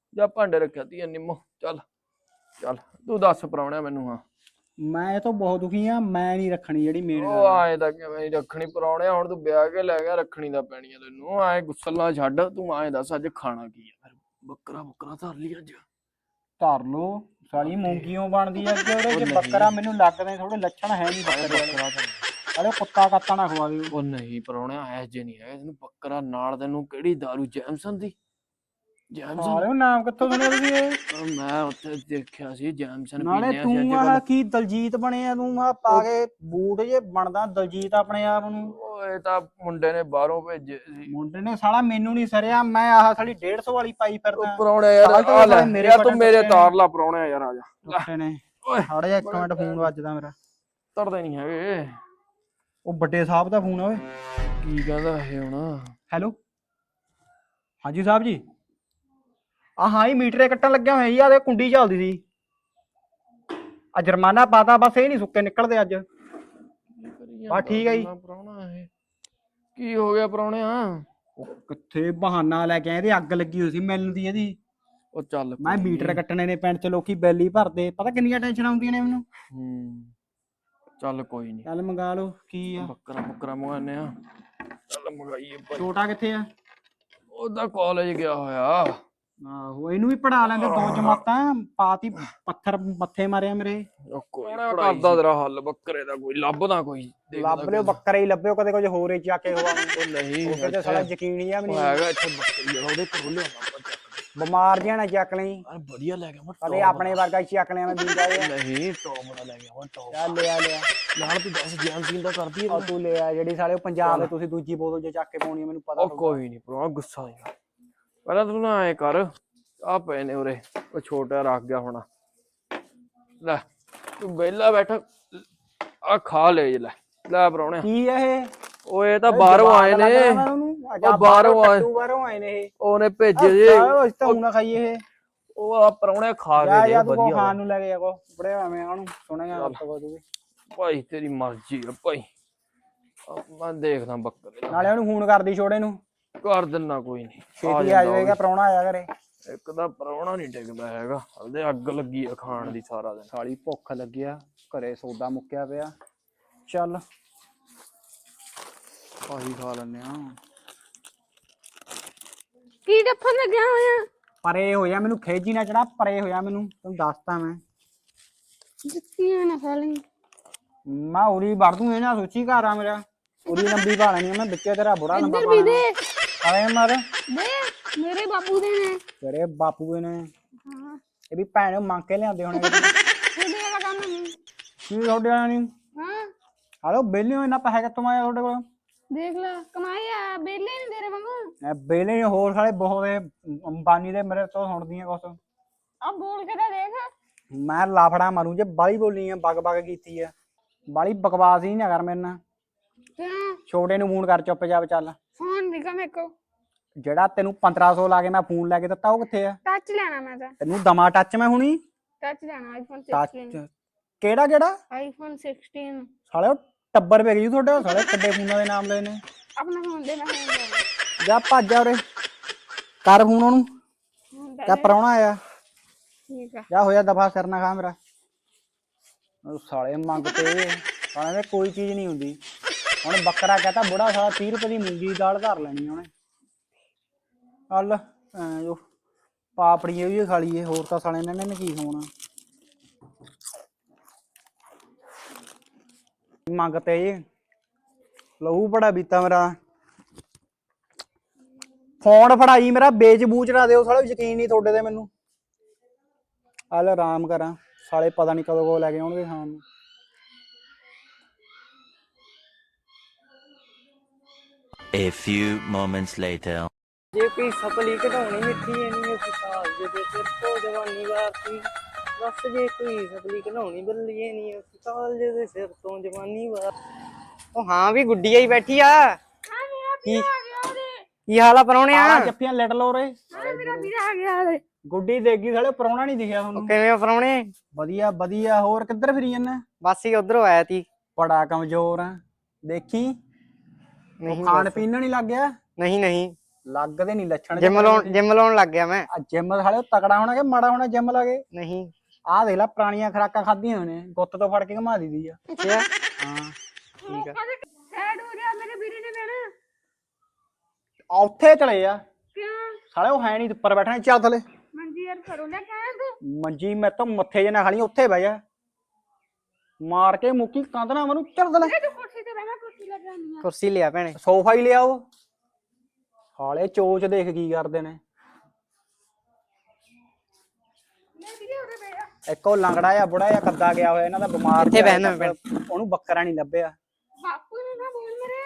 Speaker 3: ਜਾਂ ਭਾਂਡੇ ਰੱਖਿਆ ਤੀ ਨਿੰਮੋ। ਚੱਲ ਚੱਲ ਤੂੰ ਦੱਸ ਪ੍ਰਾਹੁਣਿਆ ਮੈਨੂੰ। ਹਾਂ
Speaker 1: ਮੈਂ ਇਹ ਤੋਂ ਬਹੁਤ ਦੁਖੀ ਆ, ਮੈਂ ਨਹੀਂ ਰੱਖਣੀ ਜਿਹੜੀ ਮੇਨ
Speaker 3: ਉਹ
Speaker 1: ਗੱਲ ਆ।
Speaker 3: ਆਏ ਤਾਂ ਕਿਵੇਂ ਨੀ ਰੱਖਣੀ ਪ੍ਰਾਹੁਣਿਆ, ਹੁਣ ਤੂੰ ਵਿਆਹ ਕੇ ਲੈ ਗਿਆ, ਰੱਖਣੀ ਤਾਂ ਪੈਣੀ ਆ ਤੈਨੂੰ। ਐ ਗੁੱਸਲ ਨਾ ਛੱਡ, ਤੂੰ ਐਂ ਦੱਸ ਅੱਜ ਖਾਣਾ ਕੀ ਆ ਫਿਰ? ਬੱਕਰਾ ਬੱਕਰਾ ਧਰ ਲਈ ਅੱਜ?
Speaker 1: ਧਰ ਲੋ ਸਾਲੀ ਮੂੰਗੀਓ ਬਣਦੀ ਆ ਅੱਗੇ ਉਹਦੇ
Speaker 3: ਉਹ
Speaker 1: ਜੇ
Speaker 3: ਨਹੀਂ।
Speaker 1: ਬੱਕਰਾ ਮੈਨੂੰ ਲੱਗਦੇ ਥੋੜੇ ਲੱਛਣ ਹੈ ਨਹੀਂ ਬੱਕਰੇ ਵਾਲੇ।
Speaker 3: ਬੱਕਰਾ ਤਾਂ
Speaker 1: ਅਰੇ ਕੁੱਤਾ ਕੱਤਾ ਨਾ ਖਵਾ ਦਿਓ।
Speaker 3: ਉਹ ਨਹੀਂ ਪ੍ਰਾਹੁਣਿਆ ਐ ਜੇ ਨਹੀਂ ਹੈਗਾ ਤੈਨੂੰ ਬੱਕਰਾ ਨਾਲ। ਤੈਨੂੰ ਕਿਹੜੀ ਦਾਰੂ? ਜੈਮਸਨ ਦੀ? ਜੈਮਸਨ?
Speaker 1: ਸਾਲਿਓ ਨਾਮ ਕਿੱਥੋਂ ਸੁਣਿਆ ਤੁਸੀਂ ਇਹ?
Speaker 3: ਉਹ ਮੈਂ ਉੱਥੇ ਦੇਖਿਆ ਸੀ ਜੈਮਸਨ
Speaker 1: ਨਾਲੇ
Speaker 3: ਪੀਂਦੇ ਆ ਸੀ
Speaker 1: ਤੂੰ
Speaker 3: ਅੱਜ
Speaker 1: ਆਹ
Speaker 3: ਕੱਲ।
Speaker 1: ਕੀ ਦਲਜੀਤ ਬਣਿਆ ਤੂੰ ਆ ਪਾ ਕੇ ਬੂਟ ਜੇ ਬਣਦਾ ਦਲਜੀਤ ਆਪਣੇ ਆਪ ਨੂੰ।
Speaker 3: ਉਹ ਇਹ ਤਾਂ ਮੁੰਡੇ ਨੇ ਬਾਹਰੋਂ ਭੇਜੇ ਸੀ।
Speaker 1: ਮੁੰਡੇ ਨੇ ਸਾਲਾ ਮੈਨੂੰ ਨਹੀਂ ਸਰਿਆ, ਮੈਂ ਆਹ ਸਾਲੀ ਡੇਢ ਸੌ ਵਾਲੀ ਪਾਈ
Speaker 3: ਉਹ
Speaker 1: ਫਿਰਦਾ।
Speaker 3: ਪ੍ਰਾਹੁਣਿਆ ਯਾਰ
Speaker 1: ਸਾਲ ਤੋਂ
Speaker 3: ਆ ਲੈ
Speaker 1: ਸਾਲੇ ਮੇਰੇ
Speaker 3: ਯਾਰ ਤੂੰ
Speaker 1: ਬਟਨ
Speaker 3: ਮੇਰੇ
Speaker 1: ਟੁੱਟੇ
Speaker 3: ਤਾਰ ਲਾ ਪ੍ਰਾਹੁਣਿਆ ਯਾਰ ਆ ਜਾ।
Speaker 1: ਟੁੱਟੇ ਨੇ।
Speaker 3: ਓਏ
Speaker 1: ਖੜ ਜਾ ਇੱਕ ਮਿੰਟ, ਫੋਨ ਵੱਜਦਾ ਮੇਰਾ।
Speaker 3: ਤੜਦੇ ਨਹੀਂ ਹੈਗੇ।
Speaker 1: ਉਹ ਵੱਡੇ ਸਾਹਿਬ ਦਾ ਫੋਨ ਓਏ।
Speaker 3: ਕੀ ਕਹਿੰਦਾ ਇਹ ਹੁਣ?
Speaker 1: ਹੈਲੋ ਹਾਂਜੀ ਸਾਹਿਬ ਜੀ। ਆ ਹਾਂ ਹੀ ਮੀਟਰੇ ਕੱਟਣ ਲੱਗਿਆ ਹੋਇਆ ਜੀ, ਆ ਦੇ ਕੁੰਡੀ ਚੱਲਦੀ ਸੀ। ਆ ਜੁਰਮਾਨਾ ਪਾਤਾ, ਬਸ ਇਹ ਨਹੀਂ ਸੁੱਕੇ ਨਿਕਲਦੇ ਅੱਜ। ਬਸ ਠੀਕ ਹੈ ਜੀ।
Speaker 3: ਪ੍ਰਾਹੁਣਾ ਇਹ ਕੀ ਹੋ ਗਿਆ ਪ੍ਰਾਹੁਣਿਆ?
Speaker 1: ਉਹ ਕਿੱਥੇ ਬਹਾਨਾ ਲੈ ਕੇ ਆਏ, ਇਹਦੇ ਅੱਗ ਲੱਗੀ ਹੋਈ ਸੀ ਮਿਲਣ ਦੀ ਇਹਦੀ।
Speaker 3: ਉਹ ਚੱਲ
Speaker 1: ਮੈਂ
Speaker 3: ਕੋਈ
Speaker 1: ਮੀਟਰ
Speaker 3: ਨੀ।
Speaker 1: ਕੱਟਣੇ ਨੇ ਪਿੰਡ ਚ, ਲੋਕੀ ਬਿੱਲ ਹੀ ਭਰਦੇ, ਪਤਾ ਕਿੰਨੀਆਂ ਟੈਨਸ਼ਨ ਆਉਂਦੀਆਂ ਨੇ ਮੈਨੂੰ।
Speaker 3: ਹੂੰ ਚੱਲ ਕੋਈ ਨਹੀਂ,
Speaker 1: ਚੱਲ ਮੰਗਾ ਲਓ ਕੀ ਆ।
Speaker 3: ਬੱਕਰਾ ਬੱਕਰਾ ਮੰਗਾਨੇ ਆ। ਚੱਲ ਮੰਗਾਈਏ ਭਾਈ।
Speaker 1: ਛੋਟਾ ਕਿੱਥੇ ਆ?
Speaker 3: ਉਹਦਾ ਕਾਲਜ ਗਿਆ ਹੋਇਆ।
Speaker 1: ਆਹੋ ਇਹਨੂੰ ਵੀ ਪੜਾ ਲੈਂਦੇ, ਦੋ ਜਮਾਤਾਂ ਪਾਤੀ, ਪੱਥਰ ਮੱਥੇ ਮਾਰਿਆ ਮੇਰੇ।
Speaker 3: ਉਹ ਕੋਈ ਕਰਦਾ ਤੇਰਾ ਹੱਲ ਬੱਕਰੇ ਦਾ, ਕੋਈ ਲੱਭਦਾ ਕੋਈ।
Speaker 1: ਲੱਭ ਲਿਓ ਬੱਕਰੇ ਹੀ ਲੱਭਿਓ, ਕਦੇ ਕੁਝ ਹੋਰ ਹੀ ਚੱਕ ਕੇ ਖਵਾ।
Speaker 3: ਉਹ ਨਹੀਂ
Speaker 1: ਉਹਦੇ ਤੇ ਸਾਲਾ ਯਕੀਨ ਹੀ ਆ ਵੀ
Speaker 3: ਉਹ
Speaker 1: ਨਹੀਂ।
Speaker 3: ਹੈਗਾ ਇੱਥੇ ਬੱਕਰੀ ਜਿਹੜਾ, ਉਹਦੇ ਕੋਲ ਲਿਆਉਣਾ ਆਪਾਂ ਚੱਕ।
Speaker 1: ਬਿਮਾਰ ਜਿਹਾ ਨਾ ਚੱਕ ਲਈ,
Speaker 3: ਯਾਰ ਵਧੀਆ ਲੈ ਗਿਆ ਮੈਂ।
Speaker 1: ਕਦੇ ਆਪਣੇ ਵਰਗਾ ਹੀ ਚੱਕ ਲਿਆ ਮੈਂ ਵੀਂਦਾ ਇਹ।
Speaker 3: ਨਹੀਂ ਟੌਪ ਦਾ ਲੈ ਗਿਆ ਮੈਂ, ਟੌਪ।
Speaker 1: ਚੱਲ ਲਿਆ ਲਿਆ
Speaker 3: ਯਾਰ ਤੂੰ ਦੱਸ ਜੈਮਸਨ ਦਾ ਕਰਦੀ ਹੈ?
Speaker 1: ਉਹ ਤੂੰ ਲਿਆ ਜਿਹੜੀ ਸਾਰੇ ਪੰਜਾਬ ਦੇ ਤੁਸੀਂ ਦੂਜੀ ਬੋਤਲ ਜੇ ਚੱਕ ਕੇ ਪਾਉਣੀ ਆ, ਮੈਨੂੰ ਪਤਾ।
Speaker 3: ਉਹ ਕੋਈ ਨਹੀਂ ਭਰਾ, ਗੁੱਸਾ ਨਹੀਂ। ਪਹਿਲਾਂ ਤੂੰ ਨਾ ਐ ਕਰ, ਆ ਪਏ ਨੇ ਉਰੇ, ਉਹ ਛੋਟਾ ਰੱਖ ਗਿਆ ਹੋਣਾ। ਲੈ ਤੂੰ ਵਿਹਲਾ ਬੈਠਾ, ਆ ਖਾ ਲੈ ਲੈ ਲੈ ਪ੍ਰਾਹੁਣਿਆ।
Speaker 1: ਕੀ ਆ ਇਹ?
Speaker 3: ਉਹ ਇਹ ਤਾਂ ਬਾਹਰੋਂ ਆਏ ਨੇ। ਉਹ ਬਾਹਰੋਂ ਆਏ,
Speaker 1: ਬਾਹਰੋਂ ਆਏ ਨੇ ਇਹ।
Speaker 3: ਉਹਨੇ ਭੇਜੇ ਜੇ।
Speaker 1: ਉਹ ਤਾਂ ਹੁਣ ਨਾ ਖਾਈਏ ਇਹ।
Speaker 3: ਉਹ ਆ ਪ੍ਰਾਹੁਣਿਆ ਖਾ
Speaker 1: ਜਾ
Speaker 3: ਕੇ
Speaker 1: ਜਾ
Speaker 3: ਦੇ
Speaker 1: ਤੂੰ
Speaker 3: ਵਧੀਆ।
Speaker 1: ਖਾਣ ਨੂੰ ਲੈ ਕੇ ਜਾਗੋ ਬੜੇ ਐਵੇਂ ਉਹਨੂੰ ਸੁਣੇਗਾ ਤੂੰ ਵੀ।
Speaker 3: ਭਾਈ ਤੇਰੀ ਮਰਜ਼ੀ ਆ ਭਾਈ, ਮੈਂ ਦੇਖਦਾ ਬੱਕਰੇ
Speaker 1: ਨਾਲੇ ਉਹਨੂੰ ਫੋਨ ਕਰਦੀ ਛੋੜੇ ਨੂੰ,
Speaker 3: ਕਰ ਦਿੰਨਾ। ਕੋਈ ਨਹੀਂ
Speaker 1: ਛੇਤੀ ਆ ਜਾਏਗਾ, ਪ੍ਰਾਹੁਣਾ ਆਇਆ ਘਰੇ।
Speaker 3: ਇੱਕ ਤਾਂ ਪ੍ਰਾਹੁਣਾ ਨਹੀਂ ਟਿਕਦਾ ਹੈਗਾ, ਉਹਦੇ ਅੱਗ ਲੱਗੀ ਆ ਖਾਣ ਦੀ ਸਾਰਾ ਦਿਨ।
Speaker 1: ਸਾਲੀ ਭੁੱਖ ਲੱਗਿਆ, ਘਰੇ ਸੌਦਾ ਮੁੱਕਿਆ ਪਿਆ। ਚੱਲ ਆਹੀ ਖਾ ਲੈਨੇ ਆ।
Speaker 2: ਕੀ ਡੱਫਣ ਲੱਗਿਆ ਹੋਇਆ?
Speaker 1: ਪਰੇ ਹੋ ਜਾ, ਮੈਨੂੰ ਖੇਜੀ ਨਾ ਚੜਾ, ਪਰੇ ਹੋ ਜਾ ਮੈਨੂੰ, ਤੈਨੂੰ ਦੱਸਤਾ ਮੈਂ।
Speaker 2: ਜੁੱਤੀਆਂ ਨਾ ਖਾ ਲਈ।
Speaker 1: ਮੈਂ ਉਰੀ ਵੜ ਦੂੰ, ਇਹ ਨਾ ਸੋਚੀ ਘਰ ਆ ਮੇਰਾ। ਉਰੀ ਲੰਬੀ ਪਾ ਲੈਣੀ ਮੈਂ, ਵਿੱਚੇ ਤੇਰਾ ਬੁਰਾ ਲੰਬਾ
Speaker 2: ਇੱਧਰ ਵੀ ਦੇ
Speaker 1: ਆਏ ਮਰ
Speaker 2: ਦੇ, ਮੇਰੇ ਬਾਪੂ ਦੇ ਨੇ।
Speaker 1: ਤੇਰੇ ਬਾਪੂ ਦੇ ਨੇ,
Speaker 2: ਹਾਂ
Speaker 1: ਇਹ ਵੀ ਭੈਣ ਮੰਗ ਕੇ ਲਿਆਂਦੇ ਹੋਣੇ।
Speaker 2: ਤੁਹਾਡੇ ਵਾਲਾ ਕੰਮ ਨਹੀਂ।
Speaker 1: ਕੀ ਤੁਹਾਡੇ ਵਾਲਾ ਨਹੀਂ?
Speaker 2: ਹਾਂ
Speaker 1: ਹਲੋ ਬੇਲੇ ਹੋ, ਇੰਨਾ ਪੈਸਾ ਕਿੱਥੋਂ ਆਇਆ ਤੁਹਾਡੇ ਕੋਲ?
Speaker 2: ਦੇਖ ਲੈ ਕਮਾਈ ਆ, ਬੇਲੇ ਨਹੀਂ ਤੇਰੇ ਵਾਂਗੂ।
Speaker 1: ਬੇਲੇ ਹੋਰ ਸਾਲੇ ਬਹੁਤ ਅੰਬਾਨੀ ਦੇ ਮੇਰੇ ਤੋਂ ਸੁਣਦੀਆਂ ਕੁਛ।
Speaker 2: ਆ ਬੋਲ ਕੇ ਤਾਂ ਦੇਖ।
Speaker 1: ਮੈਂ ਲਾਫੜਾ ਮਾਰੂ ਜੇ ਬਾਲੀ ਬੋਲੀ ਆ, ਬਗ ਬਗ ਕੀਤੀ ਆ। ਬਾਲੀ ਬਕਵਾਸ ਹੀ ਨਾ ਕਰ ਮੇਰੇ ਨਾਲ।
Speaker 2: ਕਿਉਂ?
Speaker 1: ਛੋਟੇ ਨੂੰ ਫੋਨ ਕਰ, ਚੁੱਪ ਜਾ ਚੱਲ।
Speaker 2: ਫੋਨ ਦਿਖਾ ਮੇਰੇ ਕੋ।
Speaker 1: ਜਿਹੜਾ ਤੈਨੂੰ ਪੰਦਰਾਂ ਸੌ ਲਾ ਕੇ ਮੈਂ ਫੋਨ ਲੈ ਕੇ ਦਿੱਤਾ, ਉਹ ਕਿੱਥੇ ਆ?
Speaker 2: ਟੱਚ ਲੈਣਾ ਮੈਂ ਤਾਂ।
Speaker 1: ਤੈਨੂੰ ਦਮਾ ਟੱਚ ਮੈਂ ਹੁਣੀ।
Speaker 2: ਟੱਚ ਲੈਣਾ ਆਈਫੋਨ
Speaker 1: ਟੱਚ
Speaker 2: ਸਿਕਸਟੀਨ।
Speaker 1: ਕਿਹੜਾ ਕਿਹੜਾ?
Speaker 2: IPhone sixteen.
Speaker 1: ਸਾਲੇ ਉਹ ਟੱਬਰ ਵੇਖ ਜੀ ਤੁਹਾਡੇ, ਸਾਲੇ ਕਿੱਡੇ ਫੋਨਾਂ ਦੇ ਨਾਮ ਲਏ ਨੇ।
Speaker 2: ਆਪਣਾ ਫੋਨ ਦੇ, ਮੈਂ ਫੋਨ ਦੇ।
Speaker 1: ਜਾ ਭੱਜ ਜਾ ਉਰੇ, ਕਰ ਫੋਨ ਉਹਨੂੰ। ਕਿਆ ਪ੍ਰਾਹੁਣਾ ਆਇਆ?
Speaker 2: ਠੀਕ ਆ।
Speaker 1: ਜਾ ਹੋਇਆ ਦਫਾ, ਕਰਨਾ ਖਾ ਮੇਰਾ। ਉਹ ਸਾਲੇ ਮੰਗਤੇ, ਸਾਲੇ ਦੇ ਕੋਈ ਚੀਜ਼ ਨਹੀਂ ਹੁੰਦੀ। ਹੁਣ ਬੱਕਰਾ ਕਹਤਾ ਬੁੜਾ, ਸਾਲਾ ਤੀਹ ਰੁਪਏ ਦੀ ਮੂੰਗੀ ਦੀ ਦਾਲ ਧਰ ਲੈਣੀ ਉਹਨੇ। ਹਲ ਜੋ ਪਾਪੜੀ ਵੀ ਖਾ ਲਈਏ, ਹੋਰ ਤਾਂ ਸਾਲੇ ਇਹਨਾਂ ਨੇ ਕੀ ਖਾਣਾ। ਮੰਗਤੇ ਲਹੂ ਬੜਾ ਬੀਤਾ ਮੇਰਾ। ਫੋਨ ਫੜਾਈ ਮੇਰਾ, ਵੇਚ ਬੂਚ ਨਾ ਦਿਓ ਸਾਲੇ, ਯਕੀਨ ਨਹੀਂ ਤੁਹਾਡੇ ਤੇ ਮੈਨੂੰ। ਹਲ ਆਰਾਮ ਕਰਾਂ, ਸਾਲੇ ਪਤਾ ਨਹੀਂ ਕਦੋਂ ਕੋ ਲੈ ਕੇ ਆਉਣਗੇ ਖਾਣ ਨੂੰ।
Speaker 4: A few moments later.
Speaker 1: ਜੇ ਕੋਈ ਸਪਲੀ ਕਢਾਉਣੀ ਮਿੱਠੀ ਨਹੀਂ ਉਸਤਾਦ ਜੇ ਤੇ ਸਿਰ ਤੋਂ ਜਵਾਨੀ ਵਾਰਤੀ। ਬਸ ਜੇ ਕੋਈ ਸਪਲੀ ਕਢਾਉਣੀ ਬੱਲੀਏ ਨਹੀਂ ਉਸਤਾਦ ਜੇ ਤੇ ਸਿਰ ਤੋਂ ਜਵਾਨੀ ਵਾਰ। ਉਹ ਹਾਂ ਵੀ ਗੁੱਡੀ ਆਈ ਬੈਠੀ ਆ।
Speaker 2: ਹਾਂ ਮੇਰਾ ਵੀਰਾ ਆ ਗਿਆ ਉਹਦੇ।
Speaker 1: ਕੀ ਹਾਲ ਆ ਪਰੌਣਿਆ? ਜੱਫੀਆਂ ਲੜ ਲੋ ਰੇ।
Speaker 2: ਹਾਂ ਮੇਰਾ ਵੀਰਾ ਆ ਗਿਆ ਉਹਦੇ।
Speaker 1: ਗੁੱਡੀ ਦੇਗੀ ਸਾਲੇ, ਪਰੌਣਾ ਨਹੀਂ ਦਿਖਿਆ ਤੁਹਾਨੂੰ।
Speaker 5: ਕਿਵੇਂ ਪਰੌਣੇ?
Speaker 1: ਵਧੀਆ ਵਧੀਆ, ਹੋਰ ਕਿੱਧਰ ਫਿਰੀ ਜਾਂਦਾ?
Speaker 5: ਬਸ ਹੀ ਉਧਰੋਂ ਆਇਆ ਤੀ।
Speaker 1: ਬੜਾ ਕਮਜ਼ੋਰ ਆ ਦੇਖੀ।
Speaker 5: ਨਹੀਂ
Speaker 1: ਖਾਣ
Speaker 5: ਬਸ।
Speaker 1: ਪੀਣ ਨਹੀਂ ਲੱਗ ਗਿਆ?
Speaker 5: ਨਹੀਂ ਨਹੀਂ
Speaker 1: ਲੱਗਦੇ ਨਹੀਂ ਲੱਛਣ
Speaker 5: ਜਿਮ ਲਾਉਣ ਜਿਮ ਲਾਉਣ ਲੱਗ ਗਿਆ ਮੈਂ।
Speaker 1: ਜਿਮ ਸਾਲੇ ਉਹ ਤਕੜਾ ਹੋਣਾ ਕਿ ਮਾੜਾ ਹੋਣਾ ਜਿਮ ਲਾ ਕੇ?
Speaker 5: ਨਹੀਂ
Speaker 1: ਆਹ ਦੇਖ ਲੈ ਪੁਰਾਣੀਆਂ ਖਰਾਕਾਂ ਖਾਧੀਆਂ ਹੋਣੇ ਗੁੱਤ ਤੋਂ ਫੜ ਕੇ ਘੁਮਾ ਦੀਦੀ ਆ।
Speaker 5: ਅੱਛਾ
Speaker 1: ਹਾਂ
Speaker 5: ਠੀਕ ਆ।
Speaker 2: ਸੈਡ ਹੋ ਰਿਹਾ ਮੇਰੇ ਵੀਰੇ ਨੇ ਬਹਿਣਾ।
Speaker 1: ਆ ਉੱਥੇ ਚਲੇ ਆ
Speaker 2: ਕਿਉਂ?
Speaker 1: ਸਾਲੇ ਉਹ ਹੈ ਨਹੀਂ ਉੱਪਰ ਬੈਠਣਾ ਚੱਲ ਥਲੇ
Speaker 2: ਮੰਜੀ ਯਾਰ ਕਰੋ ਲੈ ਕਹਿ ਤੂੰ।
Speaker 1: ਮੰਜੀ ਮੈਂ ਤਾਂ ਮੱਥੇ ਜੇ ਨਾ ਖਾਲੀ ਉੱਥੇ ਬਹਿ ਜਾ ਮਾਰ ਕੇ ਮੁੱਕੀ ਕੰਧ ਨਾ ਮੈਨੂੰ ਚੱਲ ਥਲੇ
Speaker 2: ਤੂੰ ਕੁਰਸੀ ਤੇ ਬਹਿਣਾ ਕੁਰਸੀ ਲੈ ਜਾਣੀ ਆ।
Speaker 5: ਕੁਰਸੀ ਲਿਆ ਭੈਣੇ।
Speaker 1: ਸੋਫਾ ਹੀ ਲਿਆਓ ਸਾਲੇ ਚੋਚ ਦੇਖ ਕੀ ਕਰਦੇ ਨੇ।
Speaker 2: ਲੈ ਵੀਰੇ ਉਰੇ ਬਹਿ ਜਾ।
Speaker 1: ਇੱਕ ਉਹ ਲੰਗੜਾ ਆ ਬੁੜਾ ਆ ਕੱਦਾ ਗਿਆ ਹੋਇਆ ਇਹਨਾਂ ਦਾ ਬਿਮਾਰ
Speaker 5: ਇੱਥੇ
Speaker 1: ਜਿਹਾ
Speaker 5: ਬਹਿਣਾ ਮੈਂ।
Speaker 1: ਉਹਨੂੰ ਬੱਕਰਾ ਨਹੀਂ ਲੱਭਿਆ।
Speaker 2: ਬਾਪੂ ਨੂੰ ਨਾ ਬੋਲ ਮੇਰੇ।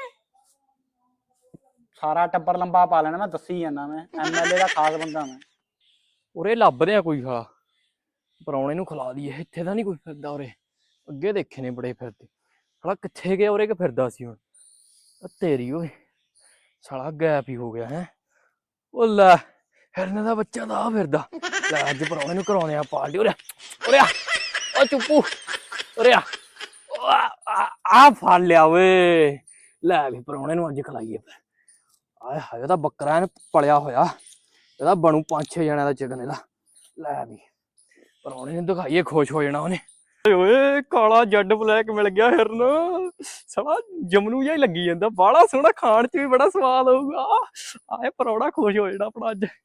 Speaker 1: ਸਾਰਾ ਟੱਬਰ ਲੰਬਾ ਪਾ ਲੈਣਾ ਮੈਂ ਦੱਸੀ ਜਾਂਦਾ ਮੈਂ ਐਮਐਲਏ ਦਾ ਖਾਸ ਬੰਦਾ ਮੈਂ।
Speaker 3: ਉਰੇ ਲੱਭਦੇ ਆ ਕੋਈ ਸਾਲਾ ਪਰੌਣੇ ਨੂੰ ਖਿਲਾ ਦਈਏ। ਇੱਥੇ ਤਾਂ ਨਹੀਂ ਕੋਈ ਫਿਰਦਾ ਉਰੇ। ਅੱਗੇ ਦੇਖੇ ਨੇ ਬੜੇ ਫਿਰਦੇ। ਸਾਲਾ ਕਿੱਥੇ ਗਿਆ ਉਰੇ ਕਿ ਫਿਰਦਾ ਸੀ ਹੁਣ? ਆ ਤੇਰੀ ਓਏ ਸਾਲਾ ਗੈਪ ਹੀ ਹੋ ਗਿਆ ਹੈ। ਉਹ ਲੈ ਹਿਰਨ ਦਾ ਬੱਚਾ ਤਾਂ ਆ ਫਿਰਦਾ। ਲੈ ਅੱਜ ਪਰੌਣੇ ਨੂੰ ਕਰਾਉਣੇ ਆ ਪਾਰਟੀ। ਉਰੇ ਉਰੇ ਉਹ ਚੁੱਪੂ ਉਰੇ ਆ ਆ ਫੜ ਲਿਆ ਓਏ। ਲੈ ਵੀ ਪਰੌਣੇ ਨੂੰ ਅੱਜ ਖਿਲਾਈਏ। ਆਏ ਹਾਏ ਉਹਦਾ ਬੱਕਰਾ ਇਹਨੂੰ ਪਲਿਆ ਹੋਇਆ। ਇਹਦਾ ਬਣੂ ਪੰਜ ਛੇ ਜਣਿਆਂ ਦਾ ਚਿਕਨ ਇਹਦਾ। ਲੈ ਵੀ ਪਰੌਣੇ ਨੂੰ ਦਿਖਾਈਏ ਖੁਸ਼ ਹੋ ਜਾਣਾ ਉਹਨੇ। ਓਏ ਕਾਲਾ ਜੱਡ ਬਲੈਕ ਮਿਲ ਗਿਆ ਹਿਰਨ। ਸਾਲਾ ਜਮਨੂ ਜਿਹਾ ਹੀ ਲੱਗੀ ਜਾਂਦਾ। ਬਾਹਲਾ ਸੋਹਣਾ ਖਾਣ ਚ ਵੀ ਬੜਾ ਸਵਾਦ ਆਊਗਾ। ਆਏ ਪਰੌਣਾ ਖੁਸ਼ ਹੋ ਜਾਣਾ ਆਪਣਾ ਅੱਜ।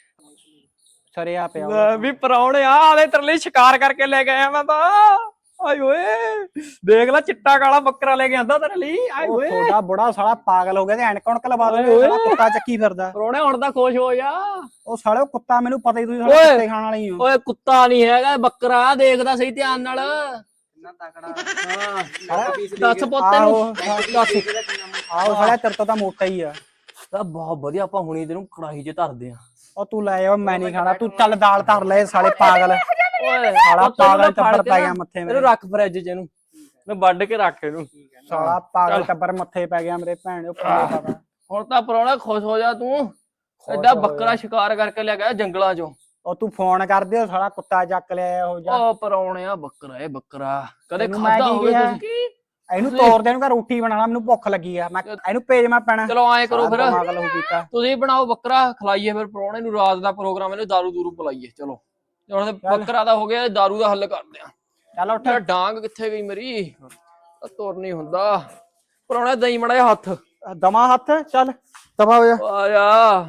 Speaker 1: ਸਰਿਆ ਪਿਆ
Speaker 3: ਲੈ ਵੀ ਪਰੌਣੇ ਆ ਆਲੇ ਤੇਰੇ ਲਈ ਸ਼ਿਕਾਰ ਕਰਕੇ ਲੈ ਕੇ ਆਇਆ ਮੈਂ ਤਾਂ। ਆਏ ਓਏ ਦੇਖ ਲੈ ਚਿੱਟਾ ਕਾਲਾ ਬੱਕਰਾ ਲੈ ਕੇ ਆਂਦਾ ਤੇਰੇ ਲਈ। ਆਏ
Speaker 1: ਉਹ
Speaker 3: ਓਏ
Speaker 1: ਤੁਹਾਡਾ ਬੁੜਾ ਸਾਲਾ ਪਾਗਲ ਹੋ ਗਿਆ ਤੇ ਐਨਕ ਉਣਕ ਲਵਾ ਦੋ
Speaker 3: ਓਏ।
Speaker 1: ਸਾਲਾ ਕੁੱਤਾ ਚੱਕੀ ਫਿਰਦਾ।
Speaker 3: ਪਰੌਣੇ ਹੁਣ ਤਾਂ ਖੁਸ਼ ਹੋ ਜਾ।
Speaker 1: ਉਹ ਸਾਲੇ ਉਹ ਕੁੱਤਾ ਮੈਨੂੰ ਪਤਾ ਹੀ ਤੁਸੀਂ ਸਾਲੇ
Speaker 3: ਓਏ।
Speaker 1: ਕੁੱਤੇ ਖਾਣ ਵਾਲੇ ਹੀ ਹੋ।
Speaker 3: ਓਏ ਕੁੱਤਾ ਨਹੀਂ ਹੈਗਾ ਬੱਕਰਾ। ਦੇਖਦਾ ਸਹੀ ਧਿਆਨ ਨਾਲ।
Speaker 5: ਕਿੰਨਾ ਤਕੜਾ।
Speaker 3: ਹਾਂ ਦੱਸ ਪੁੱਤ ਨੂੰ ਦੱਸ।
Speaker 1: ਆਹੋ ਸਾਲੇ ਤੇਰੇ ਤੋਂ ਤਾਂ ਮੋਟਾ ਹੀ ਆ।
Speaker 3: ਤਾਂ ਬਹੁਤ ਵਧੀਆ ਆਪਾਂ ਹੁਣੀ ਤੈਨੂੰ ਕੜਾਹੀ 'ਚ ਧਰਦੇ ਆ।
Speaker 1: ਉਹ ਤੂੰ ਲੈ ਆ ਮੈਂ ਨਹੀਂ ਖਾਣਾ ਤੂੰ ਚੱਲ ਦਾਲ ਧਰ ਲੈ ਸਾਲੇ ਪਾਗਲ।
Speaker 3: ਓਏ
Speaker 1: ਸਾਲਾ ਪਾਗਲ ਟੱਬਰ
Speaker 3: ਟੱਬਰ
Speaker 1: ਪੈ ਗਿਆ ਮੱਥੇ
Speaker 3: ਇਹਨੂੰ
Speaker 1: ਮੇਰੇ।
Speaker 3: ਰੱਖ ਫਰਿੱਜ 'ਚ ਇਹਨੂੰ ਮੈਂ ਵੱਢ ਕੇ ਰੱਖ ਇਹਨੂੰ।
Speaker 1: ਸਾਲਾ ਪਾਗਲ ਟੱਬਰ ਮੱਥੇ ਪੈ ਗਿਆ ਮੇਰੇ ਭੈਣ ਦੇ ਪਤਾ।
Speaker 3: ਹੁਣ ਤਾਂ ਪਰੌਣਾ ਖੁਸ਼ ਹੋ ਜਾ ਤੂੰ। ਐਡਾ ਬੱਕਰਾ ਸ਼ਿਕਾਰ ਕਰਕੇ ਲੈ ਗਿਆ ਜੰਗਲਾਂ 'ਚੋਂ।
Speaker 1: ਉਹ ਤੂੰ ਫੋਨ ਕਰ ਦਿਓ ਸਾਲਾ ਕੁੱਤਾ ਚੱਕ ਲਿਆ ਉਹ ਜਾ।
Speaker 3: ਉਹ ਪਰੌਣਿਆ ਬੱਕਰਾ ਇਹ ਬੱਕਰਾ ਕਦੇ
Speaker 1: ਤੈਨੂੰ ਮੈਂ
Speaker 3: ਖਾਦਾ
Speaker 1: ਕੀ
Speaker 3: ਹੋਵੇ
Speaker 1: ਕਿਹਾ?
Speaker 3: ਤੁਸੀਂ?
Speaker 1: ਇਹਨੂੰ ਤੋੜ ਦੇ ਇਹਨੂੰ ਕਹ ਰੋਟੀ ਬਣਾਣਾ ਮੈਨੂੰ ਭੁੱਖ ਲੱਗੀ ਆ। ਮੈਂ ਇਹਨੂੰ ਭੇਜ ਮੈਂ ਪੈਣਾ।
Speaker 3: ਚਲੋ ਐਂ ਕਰੋ ਫਿਰ
Speaker 1: ਪਾਗਲ ਹੋ ਕੀਤਾ।
Speaker 3: ਤੁਸੀਂ ਬਣਾਓ ਬੱਕਰਾ ਖਲਾਈਏ ਫਿਰ ਪਰੌਣੇ ਨੂੰ ਰਾਤ ਦਾ ਪ੍ਰੋਗਰਾਮ ਇਹਨੂੰ ਦਾਰੂ ਦੂਰੂ ਪਿਲਾਈਏ। ਚਲੋ ਹੁਣ ਬੱਕਰਾ ਦਾ ਹੋ ਗਿਆ ਦਾਰੂ ਦਾ ਹੱਲ ਕਰਦੇ ਆ।
Speaker 1: ਚੱਲ ਉੱਠ।
Speaker 3: ਯਾਰ ਡਾਂਗ ਕਿੱਥੇ ਗਈ ਮੇਰੀ? ਤੁਰ ਨਹੀਂ ਹੁੰਦਾ। ਪਰੌਣਾ ਦਈ ਮੜਾ ਜਿਹਾ ਹੱਥ।
Speaker 1: ਦਮਾ ਹੱਥ ਚੱਲ ਦਫਾ ਹੋ ਜਾ।
Speaker 3: ਆ ਜਾ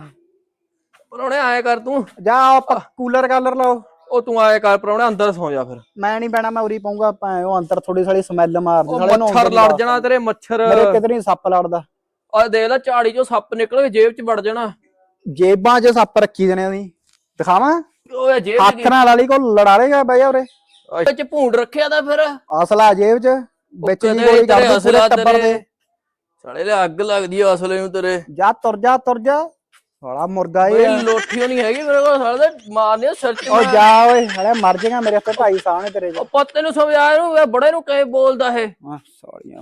Speaker 3: ਪਰੌਣੇ ਆਏ ਕਰ ਤੂੰ।
Speaker 1: ਜਾ ਆਪਾਂ ਕੂਲਰ ਕਾਲਰ ਲਾਓ।
Speaker 3: ਉਹ ਤੂੰ ਆਏ ਕਰ ਪਰੌਣੇ ਅੰਦਰ ਸੌ ਜਾ ਫਿਰ।
Speaker 1: ਮੈਂ ਨਹੀਂ ਪੈਣਾ ਮੈਂ ਉਰੀ ਪਾਉਂਗਾ ਉਹ ਅੰਦਰ ਥੋੜੀ ਸਾਲੀ ਸਮੈਲ ਮਾਰਦੀ
Speaker 3: ਉਹ
Speaker 1: ਸਾਲੇ
Speaker 3: ਮੱਛਰ ਲੜ ਜਾਣਾ ਤੇਰੇ ਮੱਛਰ।
Speaker 1: ਮੇਰੇ ਕਿਧਰ ਨਹੀਂ ਸੱਪ ਲੜਦਾ।
Speaker 3: ਆ ਦੇਖ ਲੈ ਝਾੜੀ ਚੋਂ ਸੱਪ ਨਿਕਲ ਕੇ ਜੇਬ 'ਚ ਵੜ ਜਾਣਾ।
Speaker 1: ਜੇਬਾਂ 'ਚ ਸੱਪ ਰੱਖੀ ਦੇਣੇ ਉਹਦੀ ਦਿਖਾਵਾਂ।
Speaker 3: ਓਏ ਜੇਬ
Speaker 1: ਹੱਥ ਨਾਲ ਵਾਲੀ ਕੋ ਲੜਾ ਲੇਗਾ ਬਈ ਉਰੇ।
Speaker 3: ਵਿੱਚ ਭੂੰਡ ਰੱਖਿਆ ਤਾਂ ਫਿਰ
Speaker 1: ਅਸਲਾ ਜੇਬ 'ਚ ਵਿੱਚ ਜੀ ਗੋਲੀ ਕਰ ਦੇ ਪੂਰੇ ਟੱਬਰ ਦੇ।
Speaker 3: ਸਾਲੇ ਲੈ ਅੱਗ ਲੱਗਦੀ ਆ ਅਸਲੇ ਨੂੰ ਤੇਰੇ।
Speaker 1: ਜਾ ਤੁਰ ਜਾ ਤੁਰ ਜਾ ਸਾਲਾ ਮੁਰਗਾ
Speaker 3: ਓਏ
Speaker 1: ਇਹ।
Speaker 3: ਲੋਠੀਓ ਨਹੀਂ ਹੈਗੀ ਮੇਰੇ ਕੋਲ ਸਾਲੇ ਦੇ ਮਾਰਨੇ ਸਿਰ 'ਚ।
Speaker 1: ਓ ਜਾ ਓਏ ਹਲੇ ਮਰ ਜਾਏਗਾ ਮੇਰੇ ਤੇ ਢਾਈ ਸਾਹਣੇ ਤੇਰੇ।
Speaker 3: ਉਹ ਪੱਤੇ ਨੂੰ ਸਮਝਾ ਇਹਨੂੰ ਇਹ ਬੜੇ ਨੂੰ ਕਹੇ ਬੋਲਦਾ ਇਹ।
Speaker 1: ਹਾਂ ਸਾਲੀਆਂ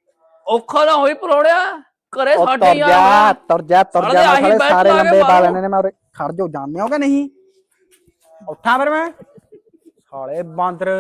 Speaker 3: ਔਖਾ ਨਾ ਹੋਈ ਪਰੋੜਿਆ ਘਰੇ
Speaker 1: ਉਹ
Speaker 3: ਸਾਡੇ
Speaker 1: ਤੁਰ
Speaker 3: ਯਾਰ।
Speaker 1: ਜਾ ਤੁਰ ਜਾ ਤੁਰ
Speaker 3: ਸਾਲੇ
Speaker 1: ਜਾ
Speaker 3: ਆਹੀ
Speaker 1: ਸਾਲੇ
Speaker 3: ਬੈਠ
Speaker 1: ਸਾਰੇ
Speaker 3: ਲਾ ਕੇ
Speaker 1: ਲੰਬੇ ਪਾ
Speaker 3: ਮਾਰੋ।
Speaker 1: ਲੈਣੇ ਨੇ ਮੈਂ ਉਰੇ ਖੜ ਜੋ ਜਾਣਦੇ ਹੋ ਕਿ ਨਹੀਂ। ਉੱਠਾਂ ਫਿਰ ਮੈਂ ਸਾਲੇ ਬਾਂਦਰ।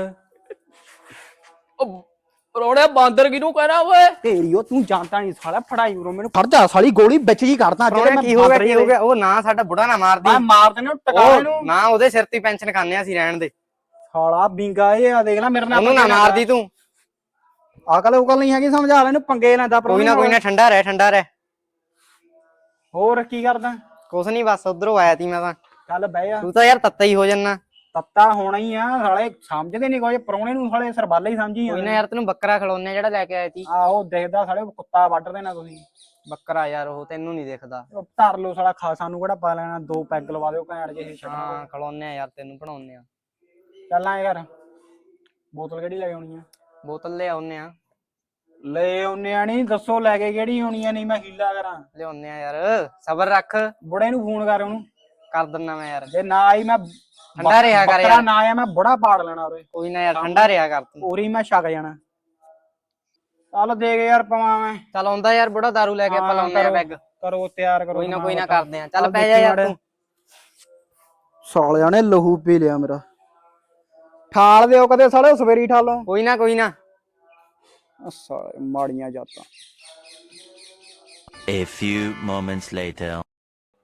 Speaker 3: ਉਹ ਪਰੋੜਿਆ ਬਾਂਦਰ ਕਿਹਨੂੰ ਕਹਿਣਾ ਓਏ?
Speaker 1: ਤੇਰੀ ਉਹ ਤੂੰ ਜਾਣਦਾ ਨਹੀਂ ਸਾਲਾ ਫੜਾਈ ਉਰੋਂ ਮੈਨੂੰ ਫੜ ਜਾ ਸਾਲੀ ਗੋਲੀ ਵਿੱਚ ਜੀ ਕਰਦਾ
Speaker 5: ਪਰੌਣੇ ਕੀ ਹੋ ਗਿਆ ਕੀ ਹੋ ਗਿਆ? ਉਹ ਨਾ ਸਾਡਾ ਬੁੜਾ ਨਾ ਮਾਰਦੀ।
Speaker 1: ਮੈਂ ਮਾਰ ਦੇਣੇ ਟਕਾ
Speaker 5: ਉਹ
Speaker 1: ਇਹਨੂੰ।
Speaker 5: ਨਾ ਉਹਦੇ ਸਿਰ ਤੇ ਪੈਨਸ਼ਨ ਖਾਂਦੇ ਆ ਅਸੀਂ ਰਹਿਣ ਦੇ।
Speaker 1: ਸਾਲਾ ਬਿੰਗਾ ਇਹ ਆ ਦੇਖ ਲੈ ਮੇਰੇ ਨਾਲ
Speaker 5: ਉਹਨੂੰ ਨਾ ਮਾਰਦੀ ਤੂੰ।
Speaker 1: ਅਕਲ ਉਕਲ ਨਹੀਂ ਹੈਗੀ ਸਮਝਾ ਲੈ ਇਹਨੂੰ ਪੰਗੇ ਲੈਂਦਾ
Speaker 5: ਕੋਈ ਨਾ ਕੋਈ ਨਾ ਠੰਡਾ ਰਹਿ ਠੰਡਾ ਰਹਿ।
Speaker 1: ਹੋਰ ਕੀ ਕਰਦਾ?
Speaker 5: ਕੁਛ ਨਹੀਂ ਬਸ ਉਧਰੋਂ ਆਇਆ ਤੀ ਮੈਂ ਤਾਂ।
Speaker 1: ਚੱਲ ਬਹਿ ਜਾ।
Speaker 5: ਤੂੰ ਤਾਂ ਯਾਰ ਤੱਤਾ ਹੀ ਹੋ ਜੰਨਾ।
Speaker 1: ਤੱਤਾ ਹੋਣਾ ਹੀ ਆ ਸਾਲੇ ਸਮਝਦੇ ਨਹੀਂ ਕੋਈ ਪ੍ਰਾਹੁਣੇ ਨੂੰ ਸਾਲੇ ਸਰਬਾਲੇ ਹੀ ਸਮਝੀ
Speaker 5: ਕੋਈ ਨਾ ਯਾਰ ਤੈਨੂੰ ਬੱਕਰਾ ਖਿਲਾਉਣੇ ਜਿਹੜਾ ਲੈ ਕੇ ਆਇਆ ਤੀ।
Speaker 1: ਆਹੋ ਦੇਖਦਾ ਸਾਲੇ ਕੁੱਤਾ ਵੱਢ ਦੇਣਾ ਤੁਸੀਂ।
Speaker 5: ਬੱਕਰਾ ਯਾਰ ਉਹ ਤੈਨੂੰ ਨਹੀਂ ਦਿਖਦਾ।
Speaker 1: ਉਹ ਧਰ ਲਓ ਸਾਲਾ ਖਾ ਸਾਨੂੰ ਕਿਹੜਾ ਪਾ ਲੈਣਾ। ਦੋ ਪੈਗ ਲਵਾ ਦਿਓ ਘੈਂਟ ਜਿਹੇ ਛੱਡ।
Speaker 5: ਹਾਂ ਖਿਲਾਉਣੇ ਆ ਯਾਰ ਤੈਨੂੰ ਬਣਾਉਣੇ ਆ।
Speaker 1: ਚੱਲ ਐਂ ਕਰ ਬੋਤਲ ਕਿਹੜੀ ਲੈ ਆਉਣੀ ਆ?
Speaker 5: ਬੋਤਲ ਲੈ ਆਉਣੇ ਆ।
Speaker 1: ਲੈ ਆਉਨੇ ਆ ਨਹੀਂ ਦੱਸੋ ਲੈ ਕੇ ਕਿਹੜੀ ਆਉਣੀ ਆ? ਨਹੀਂ ਮੈਂ ਹੀਲਾ ਕਰਾਂ।
Speaker 5: ਲਿਆਉਣੇ ਆ ਯਾਰ ਸਬਰ ਰੱਖ।
Speaker 1: ਬੁੜੇ ਨੂੰ ਫੋਨ ਕਰ ਉਹਨੂੰ।
Speaker 5: ਕਰ ਦਿੰਨਾ ਮੈਂ ਯਾਰ।
Speaker 1: ਜੇ ਨਾ ਆਈ ਮੈਂ
Speaker 5: ਠੰਡਾ ਰਿਹਾ ਕਰ
Speaker 1: ਬੱਕਰਾ
Speaker 5: ਯਾਰ।
Speaker 1: ਨਾ ਆਇਆ ਮੈਂ ਬੁੜਾ ਪਾੜ ਲੈਣਾ ਉਰੇ।
Speaker 5: ਕੋਈ ਨਾ ਯਾਰ ਠੰਡਾ ਰਿਹਾ ਕਰ ਤੂੰ।
Speaker 1: ਉਰੀ ਮੈਂ ਛਕ ਜਾਣਾ। ਚੱਲ ਦੇ ਕੇ ਯਾਰ ਪਵਾਂ ਮੈਂ।
Speaker 5: ਚੱਲ ਆਉਂਦਾ ਯਾਰ ਬੁੜਾ ਦਾਰੂ ਲੈ ਕੇ ਆਪਾਂ ਲਾਉਣੇ ਆ ਪੈਗ।
Speaker 1: ਕਰੋ ਤਿਆਰ ਕਰੋ।
Speaker 5: ਕੋਈ ਨਾ ਕੋਈ ਨਾ ਕਰਦੇ ਆ। ਚੱਲ ਪੈ ਜਾ ਯਾਰ ਤੂੰ।
Speaker 1: ਸਾਲਿਆਂ ਨੇ ਲਹੂ ਪੀ ਲਿਆ ਮੇਰਾ। ਠਾਲ ਦਿਓ ਕਦੇ ਸਾਲੇ ਸਵੇਰੀ ਠਾਲੋ।
Speaker 5: ਕੋਈ ਨਾ ਕੋਈ ਨਾ।
Speaker 1: ਸਾਲੇ ਮਾੜੀਆਂ ਜਾਤਾਂ।
Speaker 4: A few moments later.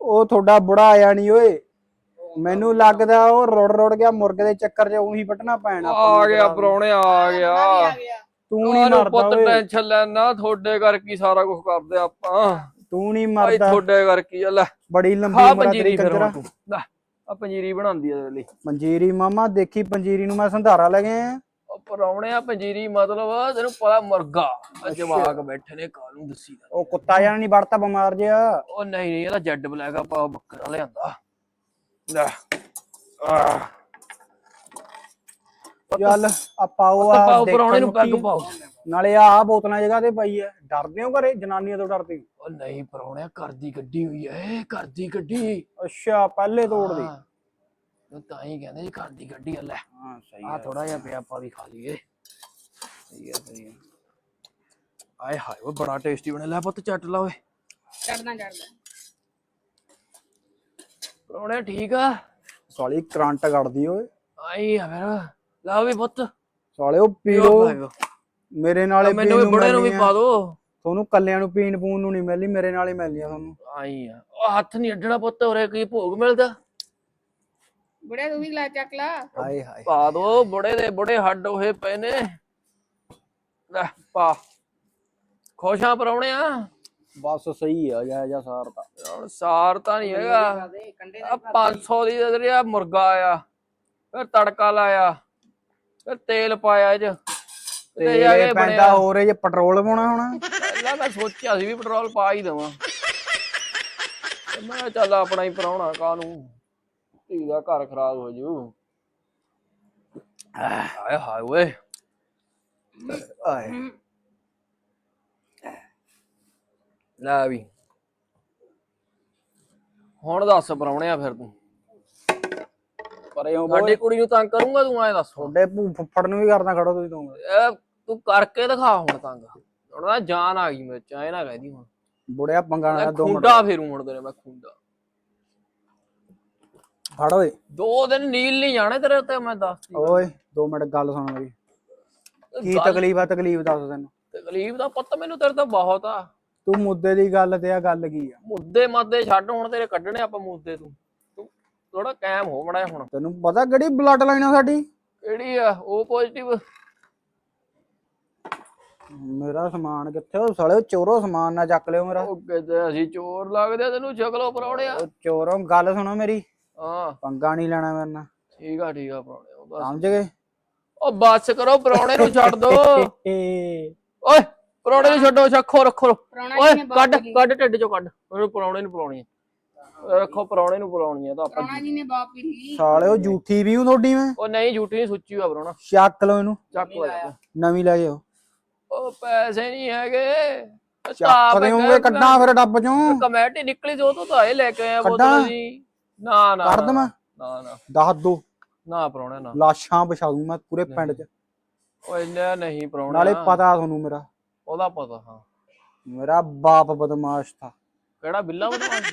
Speaker 1: ਉਹ ਤੁਹਾਡਾ ਬੁੜਾ ਆਇਆ ਨਹੀਂ ਓਏ, ਮੈਨੂੰ ਲੱਗਦਾ ਉਹ ਰੋੜ ਰੋੜ ਗਿਆ ਮੁਰਗੇ ਦੇ ਚੱਕਰ 'ਚ ਉਹੀ ਵੱਟਣਾ ਪੈਣਾ।
Speaker 3: ਆ ਗਿਆ ਪ੍ਰਾਹੁਣੇ ਆ ਗਿਆ।
Speaker 1: ਤੂੰ ਨਹੀਂ ਮਰਦਾ
Speaker 3: ਪੁੱਤ
Speaker 1: ਓਏ,
Speaker 3: ਟੈਨਸ਼ਨ ਲੈਣਾ, ਤੁਹਾਡੇ ਕਰਕੇ ਹੀ ਸਾਰਾ ਕੁਝ ਕਰਦੇ ਆਪਾਂ।
Speaker 1: ਤੂੰ ਨਹੀਂ
Speaker 3: ਭਾਈ
Speaker 1: ਮਰਦਾ,
Speaker 3: ਤੁਹਾਡੇ ਕਰਕੇ ਹੀ ਆ। ਲੈ
Speaker 1: ਬੜੀ ਲੰਬੀ
Speaker 3: ਖਾ
Speaker 1: ਉਮਰ ਆ
Speaker 3: ਪੰਜੀਰੀ
Speaker 1: ਤੇਰੀ
Speaker 3: ਫਿਰ
Speaker 1: ਕੰਜਰਾ।
Speaker 3: ਹੁਣ ਤੂੰ। ਲੈ ਆ ਪੰਜੀਰੀ ਬਣਾਉਂਦੀ ਆ ਤੇਰੇ ਲਈ।
Speaker 1: ਪੰਜੀਰੀ ਮਾਮਾ ਦੇਖੀ, ਪੰਜੀਰੀ ਨੂੰ ਮੈਂ ਸੰਧਾਰਾ ਲੈ ਗਿਆ।
Speaker 3: ਉਹ ਪ੍ਰਾਹੁਣਿਆ ਪੰਜੀਰੀ ਮਤਲਬ ਤੈਨੂੰ ਪਤਾ ਮੁਰਗਾ ਜਵਾਕ ਬੈਠੇ ਨੇ, ਕਾਹਨੂੰ ਦੱਸੀ ਦਾ।
Speaker 1: ਉਹ ਕੁੱਤਾ ਜਾਨ ਨਹੀਂ ਵੜਤਾ ਬਿਮਾਰ ਜਿਹਾ।
Speaker 3: ਉਹ ਨਹੀਂ ਨਹੀਂ, ਇਹਦਾ ਜੈਡ ਬਲੈਕ ਆਪਾਂ ਬੱਕਰਾ ਲਿਆਂਦਾ। ਲੈ ਆਹ
Speaker 1: ਚੱਲ ਆ ਪਾਓ
Speaker 3: ਤੇ
Speaker 1: ਆ
Speaker 3: ਪਾਓ
Speaker 1: ਦੇਖਣ
Speaker 3: ਪ੍ਰਾਹੁਣੇ ਨੂੰ
Speaker 1: ਨੂੰ
Speaker 3: ਪੈਗ
Speaker 1: ਕੀ-
Speaker 3: ਪਾਓ।
Speaker 1: ਨਾਲੇ ਆ ਬੋਤਲਾਂ ਜਗ੍ਹਾ ਤੇ ਪਈ ਐ। ਡਰਦੇ ਹੋ ਘਰੇ ਜਨਾਨੀਆਂ ਤੋਂ ਡਰਦੇ?
Speaker 3: ਉਹ ਨਹੀਂ ਪ੍ਰਾਹੁਣਿਆ, ਘਰ ਦੀ ਗੱਡੀ ਹੋਈ ਐ, ਘਰ ਦੀ ਗੱਡੀ।
Speaker 1: ਅੱਛਾ ਪਹਿਲੇ ਤੋੜ ਦੇ।
Speaker 3: ਹਾਂ, ਉਹ ਤਾਂ ਹੀ ਕਹਿੰਦੇ ਜੀ ਘਰ ਦੀ ਗੱਡੀ ਆ। ਲੈ
Speaker 1: ਹਾਂ ਸਹੀ
Speaker 3: ਆ ਥੋੜਾ ਜਿਹਾ ਪਿਆ, ਆਪਾਂ ਵੀ ਖਾ ਲਈਏ।
Speaker 1: ਸਹੀ ਹੈ ਸਹੀ ਹੈ।
Speaker 3: ਆਏ ਹਾਏ ਉਹ ਬੜਾ ਟੇਸਟੀ ਬਣਿਆ। ਲੈ ਪੁੱਤ ਚੱਟ ਲਾ ਓਏ।
Speaker 2: ਚੜਨਾ ਚੜਦਾ
Speaker 3: ਪ੍ਰਾਹੁਣਿਆ ਠੀਕ ਆ?
Speaker 1: ਸਾਲੀ ਕਰੰਟ ਕੱਢਦੀ ਓਏ।
Speaker 3: ਆਈ ਆ ਫਿਰ। ਲਾ ਵੀ ਪੁੱਤ
Speaker 1: ਸਾਲੇ ਉਹ ਪੀ
Speaker 3: ਪੀਓ
Speaker 1: ਲੋ,
Speaker 3: ਭਾਈ।
Speaker 1: ਮੇਰੇ ਨਾਲੇ
Speaker 3: ਮੈਨੂੰ ਵੀ ਬੁੜੇ ਨੂੰ ਵੀ ਪਾ ਦੋ।
Speaker 1: ਤੁਹਾਨੂੰ ਕੱਲਿਆਂ ਨੂੰ ਪੀਣ ਪੂਣ ਨੂੰ ਨਹੀਂ ਮਿਲਣੀ, ਮੇਰੇ ਨਾਲ ਹੀ ਮਿਲਣੀ ਆ ਤੁਹਾਨੂੰ।
Speaker 3: ਆਈ ਆ ਉਹ ਹੱਥ ਨਹੀਂ ਅੱਡਣਾ ਪੁੱਤ, ਉਰੇ ਕੀ ਭੋਗ ਮਿਲਦਾ।
Speaker 2: ਬੁੜਿਆ ਤੂੰ ਵੀ ਲੈ ਚੱਕ ਲਾ।
Speaker 1: ਹਾਏ ਹਾਏ
Speaker 3: ਪਾ ਦੋ, ਬੁੜੇ ਦੇ ਬੁੜੇ ਹੱਡ ਹੋਏ ਪਏ ਨੇ। ਲੈ ਪਾ। ਖੁਸ਼ਾਂ ਪ੍ਰਾਹੁਣਿਆ?
Speaker 1: ਬਸ ਸਹੀ ਆ ਜਾ ਜਾ ਸਾਰ ਤਾਂ।
Speaker 3: ਹੁਣ ਸਾਰ ਤਾਂ ਨਹੀਂ ਹੈਗਾ। ਆ ਪੰਜ ਸੌ ਦੀ ਦੇ ਰਿਹਾ ਮੁਰਗਾ ਆਇਆ, ਫਿਰ ਤੜਕਾ ਲਾਇਆ, ਫਿਰ ਤੇਲ ਪਾਇਆ ਇਹ ਚ ਤੇ ਜਾ ਕੇ
Speaker 1: ਤੇਰੇ
Speaker 3: ਬਣਿਆ।
Speaker 1: ਪੈਂਦਾ ਹੋਰ ਇਹ ਜੇ ਪੈਟਰੋਲ ਪਾਉਣਾ ਹੋਣਾ।
Speaker 3: ਪਹਿਲਾਂ ਮੈਂ ਸੋਚਿਆ ਸੀ ਵੀ ਪੈਟਰੋਲ ਪਾ ਹੀ ਦੇਵਾਂ, ਤੇ ਮੈਂ ਕਿਹਾ ਚੱਲ ਆਪਣਾ ਹੀ ਪ੍ਰਾਹੁਣਾ, ਕਾਹਨੂੰ ਧੀ ਦਾ ਘਰ ਖਰਾਬ ਹੋ ਜੂ। ਹਾਏ ਹਾਏ ਓਏ।
Speaker 1: ਆਏ
Speaker 3: ਲੈ ਵੀ ਹੁਣ ਦੱਸ ਪ੍ਰਾਹੁਣਿਆ, ਫਿਰ ਤੂੰ
Speaker 1: ਪਰੇ ਹੋ
Speaker 3: ਸਾਡੀ ਕੁੜੀ ਨੂੰ ਤੰਗ ਕਰੂੰਗਾ ਤੂੰ? ਐ ਦੱਸ।
Speaker 1: ਤੁਹਾਡੇ ਭੂ ਫੁੱਫੜ ਨੂੰ ਵੀ ਕਰਦਾ ਖੜੋ ਤੁਸੀਂ ਦੋਵੇਂ।
Speaker 3: ਇਹ ਤੂੰ ਕਰਕੇ ਦਿਖਾ ਹੁਣ ਤੰਗ। ਹੁਣ ਤਾਂ ਜਾਨ ਆ ਗਈ ਮੇਰੇ ਚ, ਐ ਨਾ ਕਹਿਦੀ ਹੁਣ।
Speaker 1: ਬੁੜਿਆ ਪੰਗਾ ਨਾ
Speaker 3: ਮੈਂ
Speaker 1: ਦੋ ਮਿੰਟ
Speaker 3: ਖੁੰਡਾ ਫੇਰੂ ਹੁਣ ਤੇਰੇ, ਮੈਂ ਖੁੰਡਾ।
Speaker 1: ਫੜ ਓਏ।
Speaker 3: ਦੋ ਦਿਨ ਨੀਲ ਨਹੀਂ ਜਾਣੇ ਤੇਰੇ ਉੱਤੇ, ਮੈਂ ਦੱਸਦੀ।
Speaker 1: ਓਏ ਦੋ ਮਿੰਟ ਗੱਲ ਸੁਣ ਮੇਰੀ। ਕੀ
Speaker 3: ਗੱਲ-
Speaker 1: ਤਕਲੀਫ ਆ? ਤਕਲੀਫ ਦੱਸ ਤੈਨੂੰ।
Speaker 3: ਤਕਲੀਫ ਦਾ ਪੁੱਤ ਮੈਨੂੰ ਤੇਰੇ ਤੋਂ ਬਹੁਤ ਆ।
Speaker 1: ਤੂੰ ਮੁੱਦੇ ਦੀ ਗੱਲ ਤੇ ਆ, ਗੱਲ ਕੀ ਆ?
Speaker 3: ਮੁੱਦੇ ਮਾਦੇ ਛੱਡ, ਹੁਣ ਤੇਰੇ ਕੱਢਣੇ ਆਪਾਂ ਮੁੱਦੇ। ਤੂੰ ਤੂੰ ਥੋੜਾ ਕਾਇਮ ਹੋ ਬਣਾ ਹੁਣ।
Speaker 1: ਤੈਨੂੰ ਪਤਾ ਕਿਹੜੀ ਬਲੱਡ ਲਾਈਨ ਆ ਸਾਡੀ?
Speaker 3: ਕਿਹੜੀ ਆ? ਉਹ ਪੋਜ਼ਿਟਿਵ।
Speaker 1: ਮੇਰਾ ਸਮਾਨ ਕਿੱਥੇ? ਉਹ ਸਾਲੇ ਚੋਰੋ ਸਮਾਨ ਨਾ ਚੱਕ ਲਿਓ ਮੇਰਾ।
Speaker 3: ਉਹ ਕਿਤੇ ਅਸੀਂ ਚੋਰ ਲੱਗਦੇ ਆ ਤੈਨੂੰ? ਸ਼ਕਲੋਂ ਪ੍ਰਾਹੁਣਿਆ।
Speaker 1: ਉਹ ਚੋਰੋ ਗੱਲ ਸੁਣੋ ਮੇਰੀ,
Speaker 3: ਹਾਂ
Speaker 1: ਪੰਗਾ ਨਹੀਂ ਲੈਣਾ ਮੇਰੇ ਨਾਲ,
Speaker 3: ਠੀਕ ਆ ਠੀਕ ਆ ਪ੍ਰਾਹੁਣਿਆ। ਉਹ ਬਸ
Speaker 1: ਸਮਝ ਗਏ?
Speaker 3: ਉਹ ਬੱਸ ਕਰੋ, ਪ੍ਰਾਹੁਣੇ ਨੂੰ ਛੱਡ ਦੋ। ਓਏ ਪ੍ਰਾਹੁਣੇ ਨੂੰ ਛੱਡੋ, ਰੱਖੋ ਰੱਖੋ।
Speaker 2: ਪ੍ਰਾਹੁਣਾ
Speaker 3: ਓਏ
Speaker 2: ਜੀ ਨੇ
Speaker 3: ਕੱਢ
Speaker 2: ਬਾਪ
Speaker 3: ਕੱਢ ਢਿੱਡ ਚੋਂ ਕੱਢ। ਉਹਨੂੰ ਪ੍ਰਾਹੁਣੇ ਨੂੰ ਪਲਾਉਣੀ ਆ। ਰੱਖੋ ਪ੍ਰਾਹੁਣੇ ਨੂੰ ਪਲਾਉਣੀ ਆ ਤਾਂ ਆਪਾਂ।
Speaker 2: ਪ੍ਰਾਹੁਣਾ ਜੀ ਨੇ ਬਾਪ ਵੀ ਲਈ।
Speaker 1: ਸਾਲੇ ਉਹ ਝੂਠੀ ਵੀ ਹੂੰ ਤੁਹਾਡੀ ਮੈਂ।
Speaker 3: ਉਹ ਨਹੀਂ ਝੂਠੀ ਨਹੀਂ, ਸੁੱਚੀ ਆ ਪ੍ਰਾਹੁਣਾ।
Speaker 1: ਚੱਕ ਲਓ ਇਹਨੂੰ,
Speaker 3: ਚੱਕ ਲੈ।
Speaker 1: ਨਵੀਂ ਲੈ ਜਾਓ।
Speaker 3: ਉਹ ਪੈਸੇ ਨਹੀਂ ਹੈਗੇ।
Speaker 1: ਚੱਕ ਦੇਉਂਗੇ, ਕੱਢਾਂ ਫਿਰ ਡੱਬ ਚੋਂ।
Speaker 3: ਕਮੇਟੀ ਨਿਕਲੀ ਜੋ ਤੋਂ ਤਾਂ ਇਹ ਲੈ ਕੇ ਆਇਆ
Speaker 1: ਕੱਢਾਂ?
Speaker 3: ਬੋਤਲ ਜੀ। ਨਾ ਨਾ
Speaker 1: ਕਰ ਦਵਾਂ?
Speaker 3: ਨਾ ਨਾ
Speaker 1: ਦੱਸ ਦੋ,
Speaker 3: ਨਾ ਪ੍ਰਾਹੁਣਾ ਨਾ।
Speaker 1: ਲਾਸ਼ਾਂ ਵਿਛਾ ਦੂੰ ਮੈਂ ਪੂਰੇ ਪਿੰਡ 'ਚ।
Speaker 3: ਉਹ ਇੰਨਾ ਨਹੀਂ ਪ੍ਰਾਹੁਣਾ।
Speaker 1: ਨਾਲੇ ਪਤਾ ਤੁਹਾਨੂੰ ਮੇਰਾ,
Speaker 3: ਉਹਦਾ ਪਤਾ। ਹਾਂ
Speaker 1: ਮੇਰਾ ਬਾਪ ਬਦਮਾਸ਼ ਥਾ।
Speaker 3: ਕਿਹੜਾ ਬਿੱਲਾ ਬਦਮਾਸ਼?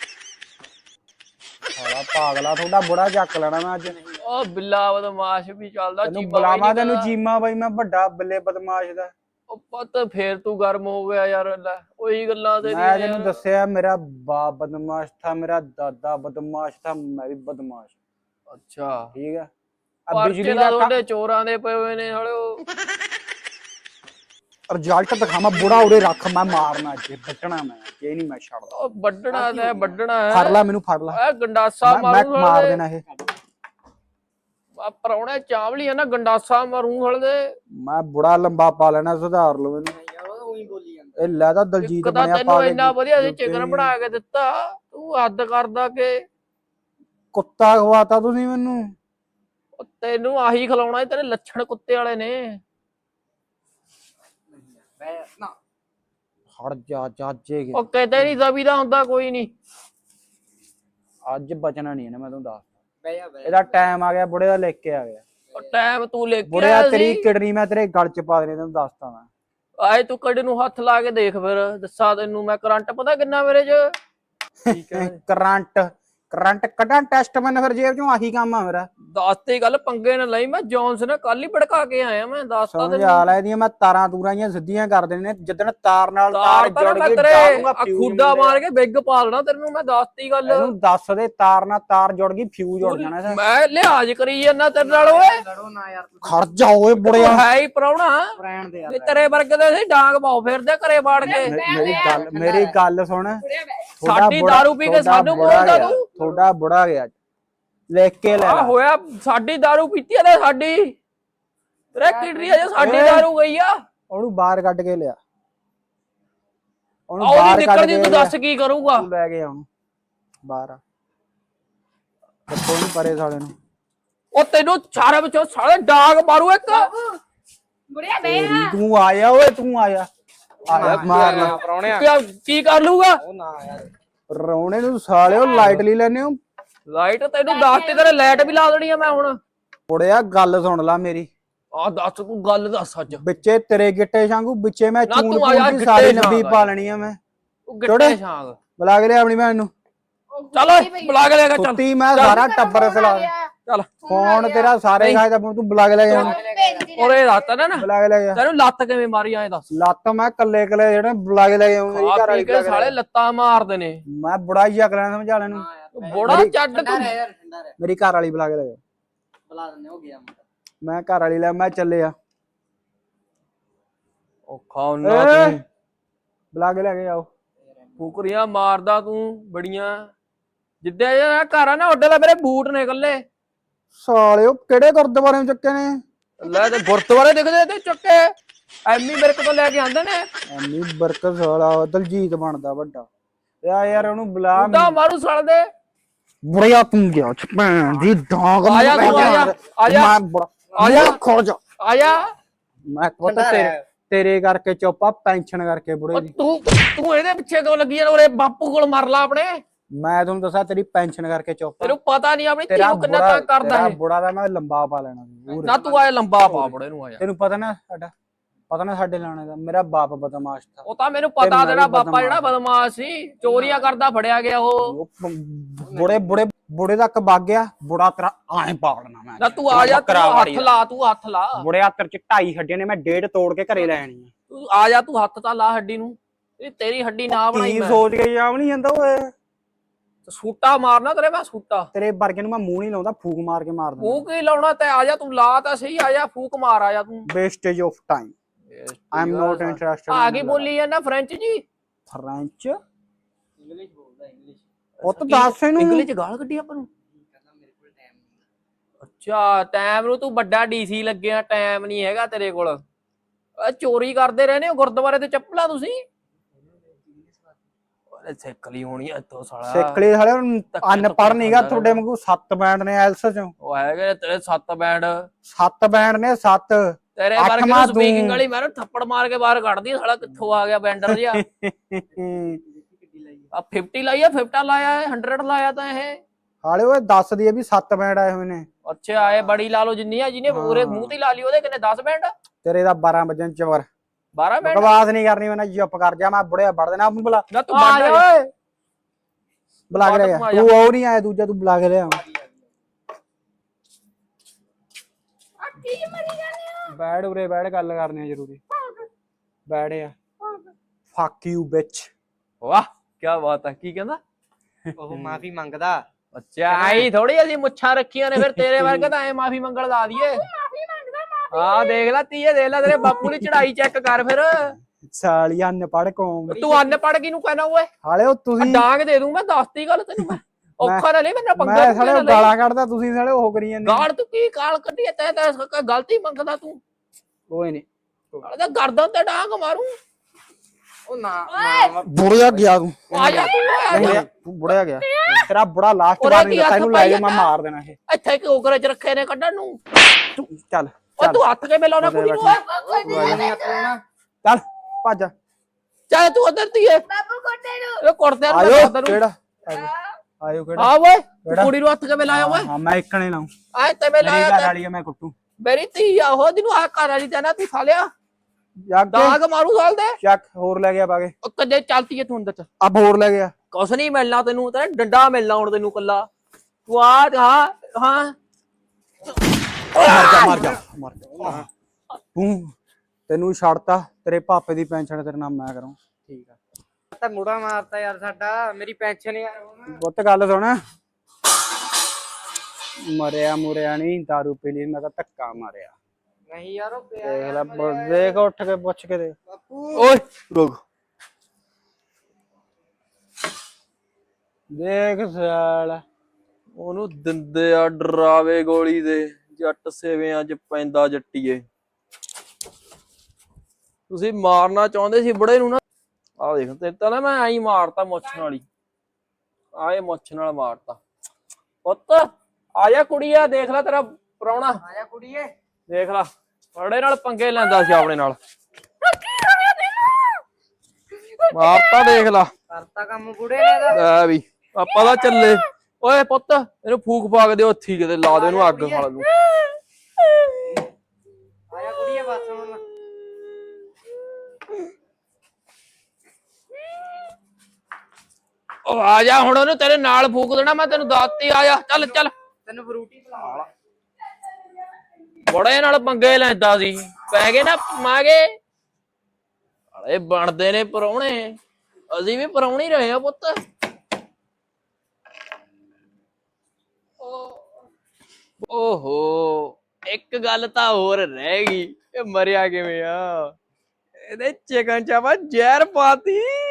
Speaker 1: ਸਾਲਾ ਪਾਗਲਾ, ਤੁਹਾਡਾ ਬੁੜਾ ਚੱਕ ਲੈਣਾ ਮੈਂ ਅੱਜ।
Speaker 3: ਉਹ ਬਿੱਲਾ ਬਦਮਾਸ਼ ਵੀ ਚੱਲਦਾ।
Speaker 1: ਤੈਨੂੰ
Speaker 3: ਚੀਮਾ ਬਾਈ
Speaker 1: ਬੁਲਾਵਾ
Speaker 3: ਨੀ
Speaker 1: ਤੈਨੂੰ
Speaker 3: ਪਤਾ।
Speaker 1: ਚੀਮਾ ਬਾਈ ਮੈਂ, ਵੱਡਾ ਬਿੱਲੇ ਬਦਮਾਸ਼ ਦਾ।
Speaker 3: ਉਹ ਪੁੱਤ ਫੇਰ ਤੂੰ ਗਰਮ ਹੋ ਗਿਆ ਯਾਰ। ਲੈ ਉਹੀ ਗੱਲਾਂ ਤੇ
Speaker 1: ਮੈਂ ਤੈਨੂੰ ਦੱਸਿਆ ਮੇਰਾ ਬਾਪ ਬਦਮਾਸ਼ ਥਾ, ਮੇਰਾ ਦਾਦਾ ਬਦਮਾਸ਼ ਥਾ, ਮੈਂ ਵੀ ਬਦਮਾਸ਼।
Speaker 3: ਅੱਛਾ
Speaker 1: ਠੀਕ ਹੈ।
Speaker 3: ਬਿਜਲੀ ਦਾ ਤੁਹਾਡੇ ਚੋਰਾਂ ਦੇ ਪਏ ਹੋਏ ਨੇ ਹਲੇ। ਉਹ
Speaker 1: ਰਿਜ਼ਲਟ ਦਿਖਾਵਾਂ ਬੁੜਾ ਉਰੇ ਰੱਖ, ਮੈਂ ਮਾਰਨਾ ਅੱਜ, ਵੱਢਣਾ ਮੈਂ, ਇਹ ਨਹੀਂ ਮੈਂ ਛੱਡਦਾ।
Speaker 3: ਉਹ ਵੱਢਣਾ ਤੇ ਵੱਢਣਾ ਹੈ।
Speaker 1: ਫੜ ਲੈ ਮੈਨੂੰ, ਫੜ ਲੈ।
Speaker 3: ਇਹ ਗੰਡਾਸਾ
Speaker 1: ਮੈਂ
Speaker 3: ਮਾਰੂ
Speaker 1: ਮੈਂ ਮਾਰ ਦੇਣਾ ਇਹ।
Speaker 3: ਆ ਪ੍ਰਾਹੁਣੇ ਚਾਵਲੀ ਆ ਨਾ, ਗੰਡਾਸਾ ਮਾਰੂ ਹਲਦੇ।
Speaker 1: ਮੈਂ ਬੁੜਾ ਲੰਬਾ ਪਾ ਲੈਣਾ, ਸੁਧਾਰ ਲਓ ਇਹਨੂੰ। ਇਹ ਲੈ ਤਾਂ ਦਲਜੀਤ
Speaker 3: ਇੱਕ ਤਾਂ
Speaker 1: ਬਣਿਆ
Speaker 3: ਤੈਨੂੰ
Speaker 1: ਪਾ
Speaker 3: ਇੰਨਾ ਵਧੀਆ ਸੀ
Speaker 1: ਕੇ।
Speaker 3: ਚਿਕਨ ਬਣਾ ਕੇ ਦਿੱਤਾ, ਤੂੰ ਹੱਦ ਕਰਦਾ ਕਿ
Speaker 1: ਕੁੱਤਾ ਖਵਾਤਾ ਤੁਸੀਂ ਮੈਨੂੰ।
Speaker 3: ਉਹ ਤੈਨੂੰ ਆਹੀ ਖਿਲਾਉਣਾ, ਤੇਰੇ ਲੱਛਣ ਕੁੱਤੇ ਵਾਲੇ ਨੇ।
Speaker 1: ਹੜ ਜਾ ਚਾਚੇ,
Speaker 3: ਉਹ ਕਿਤੇ ਨਹੀਂ ਦਬੀ ਦਾ ਹੁੰਦਾ ਕੋਈ ਨਹੀਂ।
Speaker 1: ਅੱਜ ਬਚਣਾ ਨਹੀਂ ਇਹਨੇ, ਮੈਂ ਤੁਹਾਨੂੰ ਦੱਸ। ਇਹਦਾ ਟਾਈਮ ਆ ਗਿਆ, ਬੁੜੇ ਦਾ ਲਿਖ ਕੇ ਆ ਗਿਆ।
Speaker 3: ਉਹ ਟਾਈਮ ਤੂੰ ਲੈ ਕੇ
Speaker 1: ਬੁੜਿਆ
Speaker 3: ਆਇਆ
Speaker 1: ਤੇਰੀ
Speaker 3: ਸੀ।
Speaker 1: ਕਿਡਨੀ ਮੈਂ ਤੇਰੇ ਗਲ ਚ ਪਾ ਦੇਣੀ, ਤੈਨੂੰ ਦੱਸਤਾ ਮੈਂ।
Speaker 3: ਆਏ ਤੂੰ ਕੜੇ ਨੂੰ ਹੱਥ ਲਾ ਕੇ ਦੇਖ, ਫਿਰ ਦੱਸਾਂ ਤੈਨੂੰ ਮੈਂ। ਕਰੰਟ ਪਤਾ ਕਿੰਨਾ ਮੇਰੇ ਚ? ਠੀਕ ਹੈ।
Speaker 1: ਕਰੰਟ ਕਰੰਟ ਕੱਢਾਂ ਟੈਸਟ ਮੈਨ ਫਿਰ ਜੇਬ ਚੋਂ ਆਹੀ ਕੰਮ ਆ ਮੇਰਾ।
Speaker 3: ਦੱਸ ਤੇ ਗੱਲ ਪੰਗੇ ਨਾ ਲਈ, ਮੈਂ ਜੌਨਸ ਨੇ ਕੱਲ ਹੀ ਭੜਕਾ ਕੇ ਆਇਆ ਮੈਂ ਦੱਸਤਾ
Speaker 1: ਸਮਝ
Speaker 3: ਤੈਨੂੰ।
Speaker 1: ਆ ਲੈ ਇਹਦੀਆਂ ਮੈਂ ਤਾਰਾਂ ਤੂਰਾਂ ਜਿਹੀਆਂ ਸਿੱਧੀਆਂ ਕਰ ਦੇਣੇ ਨੇ ਜਿੱਦਣ ਤਾਰ ਨਾਲ ਤਾਰ
Speaker 3: ਤਾਰ
Speaker 1: ਜੁੜ
Speaker 3: ਮੈਂ
Speaker 1: ਗਈ
Speaker 3: ਤੇਰੇ
Speaker 1: ਡਾਲੂਗਾ
Speaker 3: ਆ
Speaker 1: ਫਿਊਜ਼
Speaker 3: ਖੁੱਡਾ ਮਾਰ ਕੇ ਬਿੱਗ ਪਾ ਦੇਣਾ ਤੈਨੂੰ, ਮੈਂ ਦੱਸਤੀ ਗੱਲ।
Speaker 1: ਇਹਨੂੰ ਦੱਸ ਦੇ ਤਾਰ ਨਾਲ ਤਾਰ ਜੁੜ ਗਈ ਫਿਊਜ਼ ਜੁੜ ਜਾਣਾ ਇਹਦਾ।
Speaker 3: ਮੈਂ ਲਿਹਾਜ਼ ਕਰੀ ਜਾਂਦਾ ਤੇਰੇ ਨਾਲ ਓਏ।
Speaker 5: ਲੜੋ ਨਾ ਯਾਰ ਤੁਸੀਂ
Speaker 1: ਖੜ ਜਾ ਓਏ ਬੁੜਿਆ।
Speaker 3: ਉਹ ਹੈ ਹੀ ਪ੍ਰਾਹੁਣਾ
Speaker 5: ਰਹਿਣ ਦੇ ਯਾਰ
Speaker 3: ਤੇ ਤੇਰੇ ਵਰਗੇ ਦੇ ਸੀ ਡਾਂਗ ਪਾਉ ਫਿਰਦੇ ਘਰੇ ਬਾੜ ਕੇ।
Speaker 1: ਮੇ- ਮੇਰੀ ਗੱਲ ਮੇਰੀ ਗੱਲ ਸੁਣ।
Speaker 2: ਬੁੜਿਆ ਬੈ
Speaker 1: ਤੁਹਾਡਾ
Speaker 3: ਸਾਡੀ
Speaker 1: ਬੁੜਾ-
Speaker 3: ਦਾਰੂ ਪੀ ਕੇ
Speaker 1: ਤੁਹਾਡਾ
Speaker 3: ਸਾਨੂੰ
Speaker 1: ਬੁੜਾ
Speaker 3: ਬੋਲਦਾ
Speaker 1: ਗਿਆ,
Speaker 3: ਤੂੰ।
Speaker 1: ਤੁਹਾਡਾ ਬੁੜਾ ਗਿਆ ਲਿਖ ਕੇ ਲੈ
Speaker 3: ਆ
Speaker 1: ਲੈ।
Speaker 3: ਹੋਇਆ ਸਾਡੀ ਦਾਰੂ ਪੀਤੀ ਆ ਸਾਡੀ ਤੇਰੇ ਕਿਡਰੀ ਅਜੇ ਸਾਡੀ
Speaker 1: ਓਏ।
Speaker 3: ਦਾਰੂ ਗਈ ਆ।
Speaker 1: ਉਹਨੂੰ ਬਾਹਰ ਕੱਢ ਕੇ ਲਿਆ, ਉਹਨੂੰ
Speaker 3: ਆਉਦੀ
Speaker 1: ਬਾਹਰ ਕੱਢ
Speaker 3: ਨਿਕਲਦੀ
Speaker 1: ਕੇ
Speaker 3: ਤੂੰ
Speaker 1: ਲਿਆ।
Speaker 3: ਦੱਸ ਕੀ ਕਰੂਗਾ।
Speaker 1: ਤੂੰ ਲੈ ਕੇ ਆ ਉਹਨੂੰ ਬਾਹਰ ਆ, ਰੱਖੋ ਨੂੰ ਪਰੇ ਸਾਲੇ ਨੂੰ।
Speaker 3: ਉਹ ਤੈਨੂੰ ਸਾਰੇ ਵਿੱਚੋਂ ਸਾਲੇ ਡਾਂਗ ਮਾਰੂ ਇੱਕ।
Speaker 2: ਬੁੜਿਆ ਬੈ
Speaker 1: ਤੂੰ ਆਇਆ ਓਏ ਤੂੰ ਆਇਆ ਆਇਆ ਮਾਰਨਾ।
Speaker 5: ਪ੍ਰਾਹੁਣਿਆ
Speaker 3: ਕਿਆ ਕੀ ਕਰ ਲੂਗਾ।
Speaker 5: ਉਹ ਨਾ ਯਾਰ
Speaker 1: ਰੌਣੇ ਨੂੰ ਸਾਲਿਓ ਲਾਈਟ ਲਈ ਲੈਨੇ ਹੋ।
Speaker 3: ਲਾਈਟ ਤੈਨੂੰ ਦੱਸ ਤੇ ਤੇਰੇ ਲਾਈਟ ਵੀ ਲਾ ਦੇਣੀ ਆ ਮੈਂ ਹੁਣ।
Speaker 1: ਬੁੜਿਆ ਗੱਲ ਸੁਣ ਲੈ ਮੇਰੀ,
Speaker 3: ਆ ਦੱਸ ਤੂੰ ਗੱਲ ਦੱਸ ਅੱਜ।
Speaker 1: ਵਿੱਚੇ ਤੇਰੇ ਗਿੱਟੇ ਵਾਂਗੂ ਵਿੱਚੇ ਮੈਂ
Speaker 3: ਨਾ
Speaker 1: ਚੂਨ
Speaker 3: ਤੂੰ ਆਇਆ
Speaker 1: ਪੂਨ ਦੀ ਸਾਰੀ
Speaker 3: ਗਿੱਟੇ
Speaker 1: ਲੰਬੀ
Speaker 3: ਵਾਂਗ
Speaker 1: ਪਾ ਲੈਣੀ ਆ ਮੈਂ।
Speaker 3: ਤੂੰ
Speaker 1: ਚੜ੍ਹ।
Speaker 3: ਗਿੱਟੇ ਛਾਂਗ
Speaker 1: ਬੁਲਾ ਕੇ ਲਿਆ ਆਪਣੀ ਭੈਣ ਨੂੰ।
Speaker 3: ਚੱਲ ਓਏ ਬੁਲਾ ਕੇ ਲੈ ਕੇ ਚੱਲ
Speaker 1: ਕੁੱਤੀ ਮੈਂ ਸਾਰਾ ਟੱਬਰ ਸਲਾ
Speaker 3: ਚੱਲ।
Speaker 1: ਫੋਨ ਤੇਰਾ ਸਾਰੇ ਖਾਏ ਤਾਂ ਤੂੰ ਬੁਲਾ ਕੇ ਲੈ ਗਿਆ
Speaker 3: ਔਰੇ ਰਾਤ ਨਾ ਨਾ
Speaker 1: ਬੁਲਾ ਕੇ ਲੈ ਗਿਆ।
Speaker 3: ਤੈਨੂੰ ਲੱਤ ਕਿਵੇਂ ਮਾਰੀ ਐ ਦੱਸ।
Speaker 1: ਲੱਤ ਮੈਂ ਕੱਲੇ ਕੱਲੇ ਜਿਹੜੇ ਬੁਲਾ ਕੇ ਲੈ ਗਿਆ ਮੇਰੀ
Speaker 3: ਆ
Speaker 1: ਘਰ
Speaker 3: ਪੀ
Speaker 1: ਵਾਲੀ
Speaker 3: ਕੇ ਸਾਲੇ ਲੱਤਾਂ ਮਾਰਦੇ ਨੇ।
Speaker 1: ਮੈਂ ਬੁੜਾ ਹੀ ਅਗਲਾ ਸਮਝਾ ਲੈਨੂੰ।
Speaker 3: ਬੋੜਾ ਚੱਡ
Speaker 5: ਠੰਡਾ
Speaker 3: ਤੂੰ।
Speaker 5: ਰਹਿ ਯਾਰ ਠੰਡਾ ਰਹਿ
Speaker 1: ਮੇਰੀ ਘਰ ਵਾਲੀ ਬੁਲਾ ਕੇ ਲੈ ਗਿਆ।
Speaker 5: ਬੁਲਾ ਦਿੰਦੇ ਹੋ ਗਿਆ ਮੁੰਡਾ।
Speaker 1: ਮੈਂ ਘਰ ਵਾਲੀ ਲੈ ਮੈਂ ਚੱਲਿਆ
Speaker 3: ਔਖਾ ਉਹਨਾਂ ਤੂੰ
Speaker 1: ਬੁਲਾ ਕੇ ਲੈ ਕੇ ਆਓ।
Speaker 3: ਫੁਕਰੀਆਂ ਮਾਰਦਾ ਤੂੰ ਬੜੀਆਂ। ਜਿੱਦੇ ਇਹ ਘਰ ਆ ਨਾ ਉੱਡੇ ਲੈ ਮੇਰੇ ਬੂਟ ਨੇ ਇਕੱਲੇ।
Speaker 1: ਸਾਲਿਓ ਕਿਹੜੇ ਗੁਰਦੁਆਰੇ ਨੂੰ ਚੱਕੇ ਨੇ?
Speaker 3: ਲੈ ਤੇ ਗੁਰਦੁਆਰੇ ਦਿਖਦੇ ਤੇ ਚੱਕੇ ਐਮੀ ਮੇਰੇ ਕੋਲ ਲੈ ਕੇ ਆਂਦੇ ਨੇ।
Speaker 1: ਐਨੀ ਬਰਕਤ ਸਾਲਾ ਦਲਜੀਤ ਬਣਦਾ ਵੱਡਾ ਯਾ ਯਾਰ ਉਹਨੂੰ ਬੁਲਾ।
Speaker 3: ਮੁੰਡਾ ਮਾਰੂ ਸੜ ਦੇ।
Speaker 1: ਬੁੜਿਆ ਤੂੰ ਗਿਆ ਭੈਣ ਦੀ ਡਾਂਗ
Speaker 3: ਆ ਜਾ ਤੂੰ ਆ ਜਾ ਆ ਜਾ
Speaker 1: ਮੈਂ ਬੁੜਾ
Speaker 3: ਆ ਜਾ
Speaker 1: ਖੋ ਜਾ।
Speaker 3: ਆ ਜਾ।
Speaker 1: ਮੈਂ ਪੁੱਤ ਤੇਰੇ ਤੇਰੇ ਕਰਕੇ ਚੁੱਪਾ ਪੈਨਸ਼ਨ ਕਰਕੇ ਬੁੜੇ
Speaker 3: ਉਹ
Speaker 1: ਦੀ।
Speaker 3: ਤੂੰ ਤੂੰ ਇਹਦੇ ਪਿੱਛੇ ਕਿਉਂ ਲੱਗੀ ਜਾਂਦਾ ਉਰੇ ਬਾਪੂ ਕੋਲ ਮਰ ਲਾ ਆਪਣੇ।
Speaker 1: ਮੈਂ ਤੁਹਾਨੂੰ ਦੱਸਾਂ ਤੇਰੀ ਪੈਨਸ਼ਨ ਕਰਕੇ ਚੁੱਪ।
Speaker 3: ਤੈਨੂੰ ਪਤਾ ਨਹੀਂ ਆਪਣੀ ਧੀ
Speaker 1: ਤੇਰਾ
Speaker 3: ਨੂੰ ਕਿੰਨਾ
Speaker 1: ਬੁੜਾ
Speaker 3: ਤੰਗ ਕਰਦਾ
Speaker 1: ਤੇਰਾ
Speaker 3: ਇਹ।
Speaker 1: ਬੁੜਾ ਦਾ ਮੈਂ ਲੰਬਾ ਪਾ ਲੈਣਾ ਪੂਰੇ।
Speaker 3: ਨਾ ਤੂੰ ਆਏ ਲੰਬਾ ਪਾ ਬੜੇ ਨੂੰ ਆ ਜਾ।
Speaker 1: ਤੈਨੂੰ ਪਤਾ ਨਾ ਸਾਡਾ ਪਤਾ ਨਾ ਸਾਡੇ ਲਾਣੇ ਦਾ ਮੇਰਾ ਬਾਪ ਬਦਮਾਸ਼ ਥਾ।
Speaker 3: ਉਹ ਤਾਂ ਮੈਨੂੰ ਪਤਾ
Speaker 1: ਮੈਂ
Speaker 3: ਤੇਰਾ
Speaker 1: ਵੀ
Speaker 3: ਬਾਪਾ ਜਿਹੜਾ
Speaker 1: ਬਦਮਾਸ਼
Speaker 3: ਬਦਮਾਸ਼ ਸੀ ਚੋਰੀਆਂ ਕਰਦਾ ਫੜਿਆ ਗਿਆ ਉਹ।
Speaker 1: ਉਹ ਬੁੜੇ ਬੁੜੇ ਬੁੜੇ ਤੱਕ ਵਗ ਗਿਆ। ਬੁੜਾ ਤੇਰਾ ਐਂ ਪਾੜਨਾ ਮੈਂ।
Speaker 3: ਨਾ ਤੂੰ ਆ ਜਾ ਤੂੰ ਹੱਥ ਲਾ ਤੂੰ ਹੱਥ ਲਾ।
Speaker 1: ਬੁੜਿਆ ਤੇਰੇ ਚ ਢਾਈ ਹੱਡੀਆਂ ਨੇ ਮੈਂ ਡੇਢ ਤੋੜ ਕੇ ਘਰੇ ਲੈ ਆਣੀ ਆ।
Speaker 3: ਤੂੰ ਆ ਜਾ ਤੂੰ ਹੱਥ ਤਾਂ ਲਾ ਹੱਡੀ ਨੂੰ। ਇਹ ਤੇਰੀ ਹੱਡੀ ਨਾ ਬਣਾਈ
Speaker 1: ਕੀ
Speaker 3: ਮੈਂ।
Speaker 1: ਸੋਚ ਕੇ ਜਾਵ ਨਹੀਂ ਜਾਂਦਾ ਓਏ।
Speaker 3: ਸੂਟਾ ਮਾਰਨਾ ਤੇਰੇ ਮੈਂ ਸੂਟਾ।
Speaker 1: ਤੇਰੇ ਵਰਗੇ ਨੂੰ ਮੈਂ ਮੂੰਹ ਨਹੀਂ ਲਾਉਂਦਾ ਫੂਕ ਮਾਰ ਕੇ ਮਾਰ ਦਿੰਦਾ।
Speaker 3: ਫੂਕ ਹੀ ਲਾਉਣਾ ਤੇ ਆ ਜਾ ਤੂੰ ਲਾ ਤਾਂ ਸਹੀ ਆ ਜਾ ਫੂਕ ਮਾਰ ਆ ਜਾ ਤੂੰ।
Speaker 1: Wastage of time I am not interested.
Speaker 3: ਆ ਗਈ ਬੋਲੀ ਜਾਂਦਾ ਫ੍ਰੈਂਚ ਜੀ।
Speaker 1: ਫ੍ਰੈਂਚ
Speaker 5: ਇੰਗਲਿਸ਼ ਬੋਲਦਾ ਇੰਗਲਿਸ਼।
Speaker 1: ਉਹ ਤਾਂ ਦੱਸ ਇਹਨੂੰ।
Speaker 3: ਇੰਗਲਿਸ਼ ਚ ਗਾਲ ਕੱਢੀ ਆਪਾਂ ਨੂੰ।
Speaker 5: ਕਹਿੰਦਾ ਮੇਰੇ ਕੋਲ ਟਾਈਮ ਨਹੀਂ।
Speaker 3: ਅੱਛਾ ਟਾਈਮ ਨੂੰ ਤੂੰ ਵੱਡਾ ਡੀਸੀ ਲੱਗਿਆ ਟਾਈਮ ਨਹੀਂ ਹੈਗਾ ਤੇਰੇ ਕੋਲ। ਆ ਚੋਰੀ ਕਰਦੇ ਰਹਿੰਦੇ ਹੋ ਗੁਰਦੁਆਰੇ ਤੇ ਚੱਪਲਾਂ ਤੁਸੀਂ। ਓਏ ਸਿੱਖ ਲਈ ਹੋਣੀ ਆ ਇੱਥੋਂ ਸਾਲਾ।
Speaker 1: ਸਿੱਖਲੀ ਸਾਲੇ ਅਨਪੜ੍ਹ ਨਹੀਂਗਾ ਤੁਹਾਡੇ ਵਾਂਗੂ ਸੱਤ ਬੈਂਡ ਨੇ ਐਲਸ ਚੋਂ।
Speaker 3: ਉਹ ਹੈਗੇ ਤੇਰੇ ਸੱਤ ਬੈਂਡ।
Speaker 1: ਸੱਤ ਬੈਂਡ ਨੇ ਸੱਤ।
Speaker 3: ਤੇਰੇ
Speaker 1: ਅੱਠਵਾਂ
Speaker 3: ਵਰਗੇ ਨੂੰ ਸਪੀਕਿੰਗ
Speaker 1: ਤੂੰ।
Speaker 3: ਵਾਲੀ ਮੈਨੂੰ ਥੱਪੜ ਮਾਰ ਕੇ ਬਾਹਰ ਕੱਢਦੀ ਆ, ਸਾਲਾ ਕਿੱਥੋਂ ਆ ਗਿਆ ਬੈਂਡਰ ਜਿਹਾ। ਆ ਪਚਾਸ ਲਾਇਆ ਪਚਾਸ ਲਾਇਆ ਸੌ ਲਾਇਆ ਤਾਂ ਇਹ।
Speaker 1: ਹਾਲੇ ਓਏ ਦੱਸਦੀ ਆ ਵੀ ਸੱਤ ਬੈਂਡ ਆਏ ਹੋਏ ਨੇ।
Speaker 3: ਅੱਛਾ ਆਏ ਬੜੀ ਲਾ ਲਓ ਜਿੰਨੀ ਆ ਜਿਹਨੇ ਪੂਰੇ ਮੂੰਹ ਤੇ ਲਾ ਲਈ ਉਹਦੇ ਕਿੰਨੇ ਦਸ ਬੈਂਡ
Speaker 1: ਤੇਰੇ ਦਾ ਬਾਰਾਂ ਵਜੇ ਚਵਰ
Speaker 3: ਬਾਰਾਂ ਬੈਂਡ।
Speaker 1: ਬਕਵਾਸ ਨਹੀਂ ਕਰਨੀ ਮੈਨਾਂ ਚੁੱਪ ਕਰ ਜਾ। ਮੈਂ ਬੁੜਿਆ ਵੜ ਦੇਣਾ ਉਹਨੂੰ ਬੁਲਾ।
Speaker 3: ਨਾ ਤੂੰ
Speaker 1: ਆ
Speaker 3: ਬੰਦ
Speaker 1: ਜਾ
Speaker 3: ਜਾ।
Speaker 1: ਓਏ ਬੁਲਾ ਕੇ ਲੈ
Speaker 3: ਤੂੰ ਆ
Speaker 1: ਗਿਆ।
Speaker 3: ਜਾ।
Speaker 1: ਤੂੰ ਉਹ ਨਹੀਂ ਆਇਆ ਦੂਜਾ ਤੂੰ ਬੁਲਾ ਕੇ ਲਿਆ।
Speaker 2: ਆ ਕੀ ਮਰੀ ਜਾਂਦੇ ਹੋ।
Speaker 1: ਬੈਠ ਉਰੇ ਬੈਠ ਗੱਲ ਕਰਨੀ ਆ ਜ਼ਰੂਰੀ। ਬੈਠ ਆ। Fuck you bitch.
Speaker 3: ਵਾਹ ਕੀ ਬਾਤ ਹੈ। ਕੀ ਕਹਿੰਦਾ।
Speaker 5: ਉਹ ਮਾਫੀ ਮੰਗਦਾ।
Speaker 3: ਅੱਛਾ ਆਈ ਥੋੜੀ ਅਸੀਂ ਮੁੱਛਾਂ ਰੱਖੀਆਂ ਨੇ ਫਿਰ ਤੇਰੇ ਵਰਗੇ ਤਾਂ ਐ ਮਾਫੀ ਮੰਗਣ ਲਾ ਦਈਏ।
Speaker 2: ਮਾਫੀ ਮੰਗਦਾ ਮਾਫੀ।
Speaker 3: ਆ ਦੇਖ ਲੈ ਤੀਏ ਦੇਖ ਲੈ ਤੇਰੇ ਬਾਪੂ ਦੀ ਚੜਾਈ ਚੈੱਕ ਕਰ ਫਿਰ।
Speaker 1: ਸਾਲੀ ਅਨਪੜ੍ਹ ਕੌਮ।
Speaker 3: ਤੂੰ ਅਨਪੜ੍ਹ ਕਿਹਨੂੰ ਕਹਿਣਾ ਓਏ।
Speaker 1: ਹਾਲੇ ਉਹ ਤੁਸੀਂ
Speaker 3: ਡਾਂਗ ਦੇ ਦੂੰ ਮੈਂ ਦੱਸਤੀ ਗੱਲ ਤੈਨੂੰ ਮੈਂ। ਔਖਾ ਨਾ ਲੈ ਮੈਨੂੰ ਪੰਗਾ।
Speaker 1: ਮੈਂ ਸਾਲੇ ਗਾਲਾਂ ਕੱਢਦਾ ਤੁਸੀਂ ਸਾਲੇ ਉਹ ਕਰੀ ਜਾਂਦੇ।
Speaker 3: ਗਾਲ ਤੂੰ ਕੀ ਗਾਲ ਕੱਢੀ ਤੈ ਤੈ ਗਲਤੀ ਮੰਗਦਾ ਤੂੰ।
Speaker 1: ਕੋਈ ਨਹੀਂ
Speaker 3: ਅਰੇ ਗਰਦਨ ਤੇ ਡਾਂਗ ਮਾਰੂ।
Speaker 5: ਉਹ ਨਾ
Speaker 1: ਬੁੜਿਆ ਗਿਆ ਤੂੰ।
Speaker 3: ਆ ਜਾ ਤੂੰ ਆ ਜਾ।
Speaker 1: ਤੂੰ ਬੁੜਿਆ ਗਿਆ। ਤੇਰਾ ਬੁੜਾ ਲਾਸਟ
Speaker 3: ਉਰੇ
Speaker 1: ਵਾਰ ਨਹੀਂ
Speaker 3: ਕੀ ਹੱਥ
Speaker 1: ਤੈਨੂੰ ਲੈ
Speaker 3: ਪਾਈ
Speaker 1: ਜਾ ਮੈਂ
Speaker 3: ਜਾਂਦਾ?
Speaker 1: ਮਾਰ ਦੇਣਾ ਇਹ।
Speaker 3: ਇੱਥੇ ਕਿ ਓਗਰੇ ਚ ਰੱਖੇ ਨੇ ਕੱਢਣ ਨੂੰ।
Speaker 1: ਤੂੰ ਚੱਲ
Speaker 3: ਉਹ ਤੂੰ ਹੱਥ ਕੇ ਮਿਲਾਉਣਾ ਕੁੜੀ ਨੂੰ ਓਏ।
Speaker 5: ਨਹੀਂ ਆਤਨਾ।
Speaker 1: ਚੱਲ ਭੱਜ।
Speaker 3: ਚਾਹੇ ਤੂੰ ਉਧਰ ਤੀਏ
Speaker 2: ਬਾਬੂ ਕੋਟੇ ਨੂੰ।
Speaker 3: ਇਹ ਕੁੜਤੇ ਨੂੰ
Speaker 1: ਆਇਓ
Speaker 3: ਉਧਰ ਨੂੰ।
Speaker 1: ਕਿਹੜਾ ਆਇਓ ਕਿਹੜਾ
Speaker 3: ਆ ਓਏ ਤੂੰ ਕੁੜੀ ਨੂੰ ਹੱਥ ਕੇ ਮਿਲਾਇਆ ਓਏ।
Speaker 1: ਹਾਂ ਮੈਂ ਇੱਕਣੇ ਲਾਉਂ।
Speaker 3: ਆ ਤੇ
Speaker 1: ਮੇਰੀ
Speaker 3: ਮਿਲਾਇਆ
Speaker 1: ਘਰ
Speaker 3: ਤੇ
Speaker 1: ਵਾਲੀ ਆ ਮੈਂ ਕੁੱਟੂ।
Speaker 3: ਮੇਰੀ ਧੀ ਆ ਉਹ ਜਿਹਨੂੰ ਆ ਘਰ ਵਾਲੀ ਤੇ ਨਾ ਤੂੰ ਸਾਲਿਆ
Speaker 1: ਜੱਗ
Speaker 3: ਦਾਗ ਮਾਰੂ ਸਾਲ ਦੇ।
Speaker 1: ਚੱਕ ਹੋਰ ਲੈ ਗਿਆ ਬਾਗੇ।
Speaker 3: ਉਹ ਕਦੇ ਚਲਤੀ ਹੈ ਤੂੰ ਅੰਦਰ ਚ।
Speaker 1: ਅਬ ਹੋਰ ਲੈ ਗਿਆ।
Speaker 3: ਕੁਛ ਨਹੀਂ ਮਿਲਣਾ ਤੈਨੂੰ, ਤੇ ਡੰਡਾ ਮਿਲਣਾ ਹੁਣ ਤੈਨੂੰ ਕੱਲਾ। ਤੂੰ ਆ ਹਾਂ ਹਾਂ
Speaker 1: ਮਰ ਜਾ ਮਰ ਜਾ ਮਰ ਜਾ ਤੂੰ, ਤੈਨੂੰ ਛੱਡਤਾ, ਤੇਰੇ ਪਾਪੇ ਦੀ ਪੈਨਸ਼ਨ ਤੇਰੇ ਨਾਮ ਮੈਂ ਕਰਾਂ।
Speaker 5: ਠੀਕ ਆ। ਤਾਂ ਮੁੜਾ ਮਾਰਤਾ ਯਾਰ ਸਾਡਾ, ਮੇਰੀ ਪੈਨਸ਼ਨ ਯਾਰ ਹੁਣ।
Speaker 1: ਪੁੱਤ ਗੱਲ ਸੁਣ, ਮਰਿਆ ਮੁਰਿਆ ਨਹੀਂ, ਦਾਰੂ ਪੀ ਲਈ ਮੈਂ ਤਾਂ ਧੱਕਾ ਮਾਰਿਆ।
Speaker 5: ਨਹੀਂ ਯਾਰ ਉਹ ਪਿਆ
Speaker 1: ਦੇਖ
Speaker 5: ਯਾਰ,
Speaker 1: ਲੈ
Speaker 5: ਮਰਿਆ
Speaker 1: ਦੇਖ ਉੱਠ ਕੇ ਪੁੱਛ ਕੇ ਦੇ।
Speaker 5: ਬਾਪੂ
Speaker 3: ਓਏ ਰੁਕ।
Speaker 1: ਦੇਖ ਸਾਲ
Speaker 3: ਉਹਨੂੰ ਦਿੰਦੇ ਆ ਡਰਾਵੇ ਗੋਲੀ ਦੇ, ਜੱਟ ਸੇਵਿਆਂ ਚ ਪੈਂਦਾ ਜੱਟੀਏ। ਤੁਸੀਂ ਮਾਰਨਾ ਚਾਹੁੰਦੇ ਸੀ ਬੁੜੇ ਨੂੰ ਨਾ, ਆਹ ਦੇਖ ਤੇ ਤਾਂ ਨਾ ਮੈਂ ਐਂ ਮਾਰਤਾ ਮੁੱਛ ਨਾਲ ਹੀ, ਆਏ ਮੁੱਛ ਨਾਲ ਮਾਰਤਾ। ਪੁੱਤ ਆ ਜਾ ਕੁੜੀਆ, ਦੇਖ ਲੈ ਤੇਰਾ ਪ੍ਰਾਹੁਣਾ,
Speaker 5: ਆ ਜਾ ਕੁੜੀਏ।
Speaker 3: ਦੇਖ ਲੈ ਬੜੇ ਨਾਲ ਪੰਗੇ ਲੈਂਦਾ ਸੀ ਆਪਣੇ ਨਾਲ, ਮਾਰਤਾ ਦੇਖ ਲਾ।
Speaker 5: ਕਰਤਾ ਕੰਮ ਬੁੜੇ ਨੇ ਦਾ।
Speaker 3: ਲੈ ਵੀ ਆਪਾਂ ਤਾਂ ਚੱਲੇ। ਓਏ ਪੁੱਤ ਇਹਨੂੰ ਫੂਕ ਫਾਕ ਦਿਓ ਹੱਥੀ, ਕਿਤੇ ਲਾ ਦੇ ਇਹਨੂੰ ਅੱਗ ਸਾਲ ਨੂੰ।
Speaker 5: ਆ ਜਾ ਕੁੜੀਏ ਬਸ ਹੁਣ।
Speaker 3: ਉਹ ਆ ਜਾ ਹੁਣ, ਉਹਨੂੰ ਤੇਰੇ ਨਾਲ ਫੂਕ ਦੇਣਾ ਮੈਂ, ਤੈਨੂੰ ਦੱਸਤੀ। ਆ ਜਾ ਚੱਲ ਚੱਲ।
Speaker 5: ਤੈਨੂੰ ਫਰੂਟੀ ਪਿਲਾ।
Speaker 3: ਬੜੇ ਨਾਲ ਪੰਗੇ ਲੈਂਦਾ ਸੀ, ਪੈ ਗਏ ਨਾ ਮਾਗੇ। ਅਰੇ ਬਣਦੇ ਨੇ ਪਰਾਉਣੇ, ਅਸੀਂ ਵੀ ਪਰਾਉਣੇ ਰਹੇ ਆ ਪੁੱਤ। ਓਹੋ ਇੱਕ ਗੱਲ ਤਾਂ ਹੋਰ ਰਹਿ ਗਈ, ਇਹ ਮਰਿਆ ਕਿਵੇਂ ਆ? ਇਹਦੇ ਚਿਕਨ ਚਾਵਾ ਜ਼ਹਿਰ ਪਾਤੀ।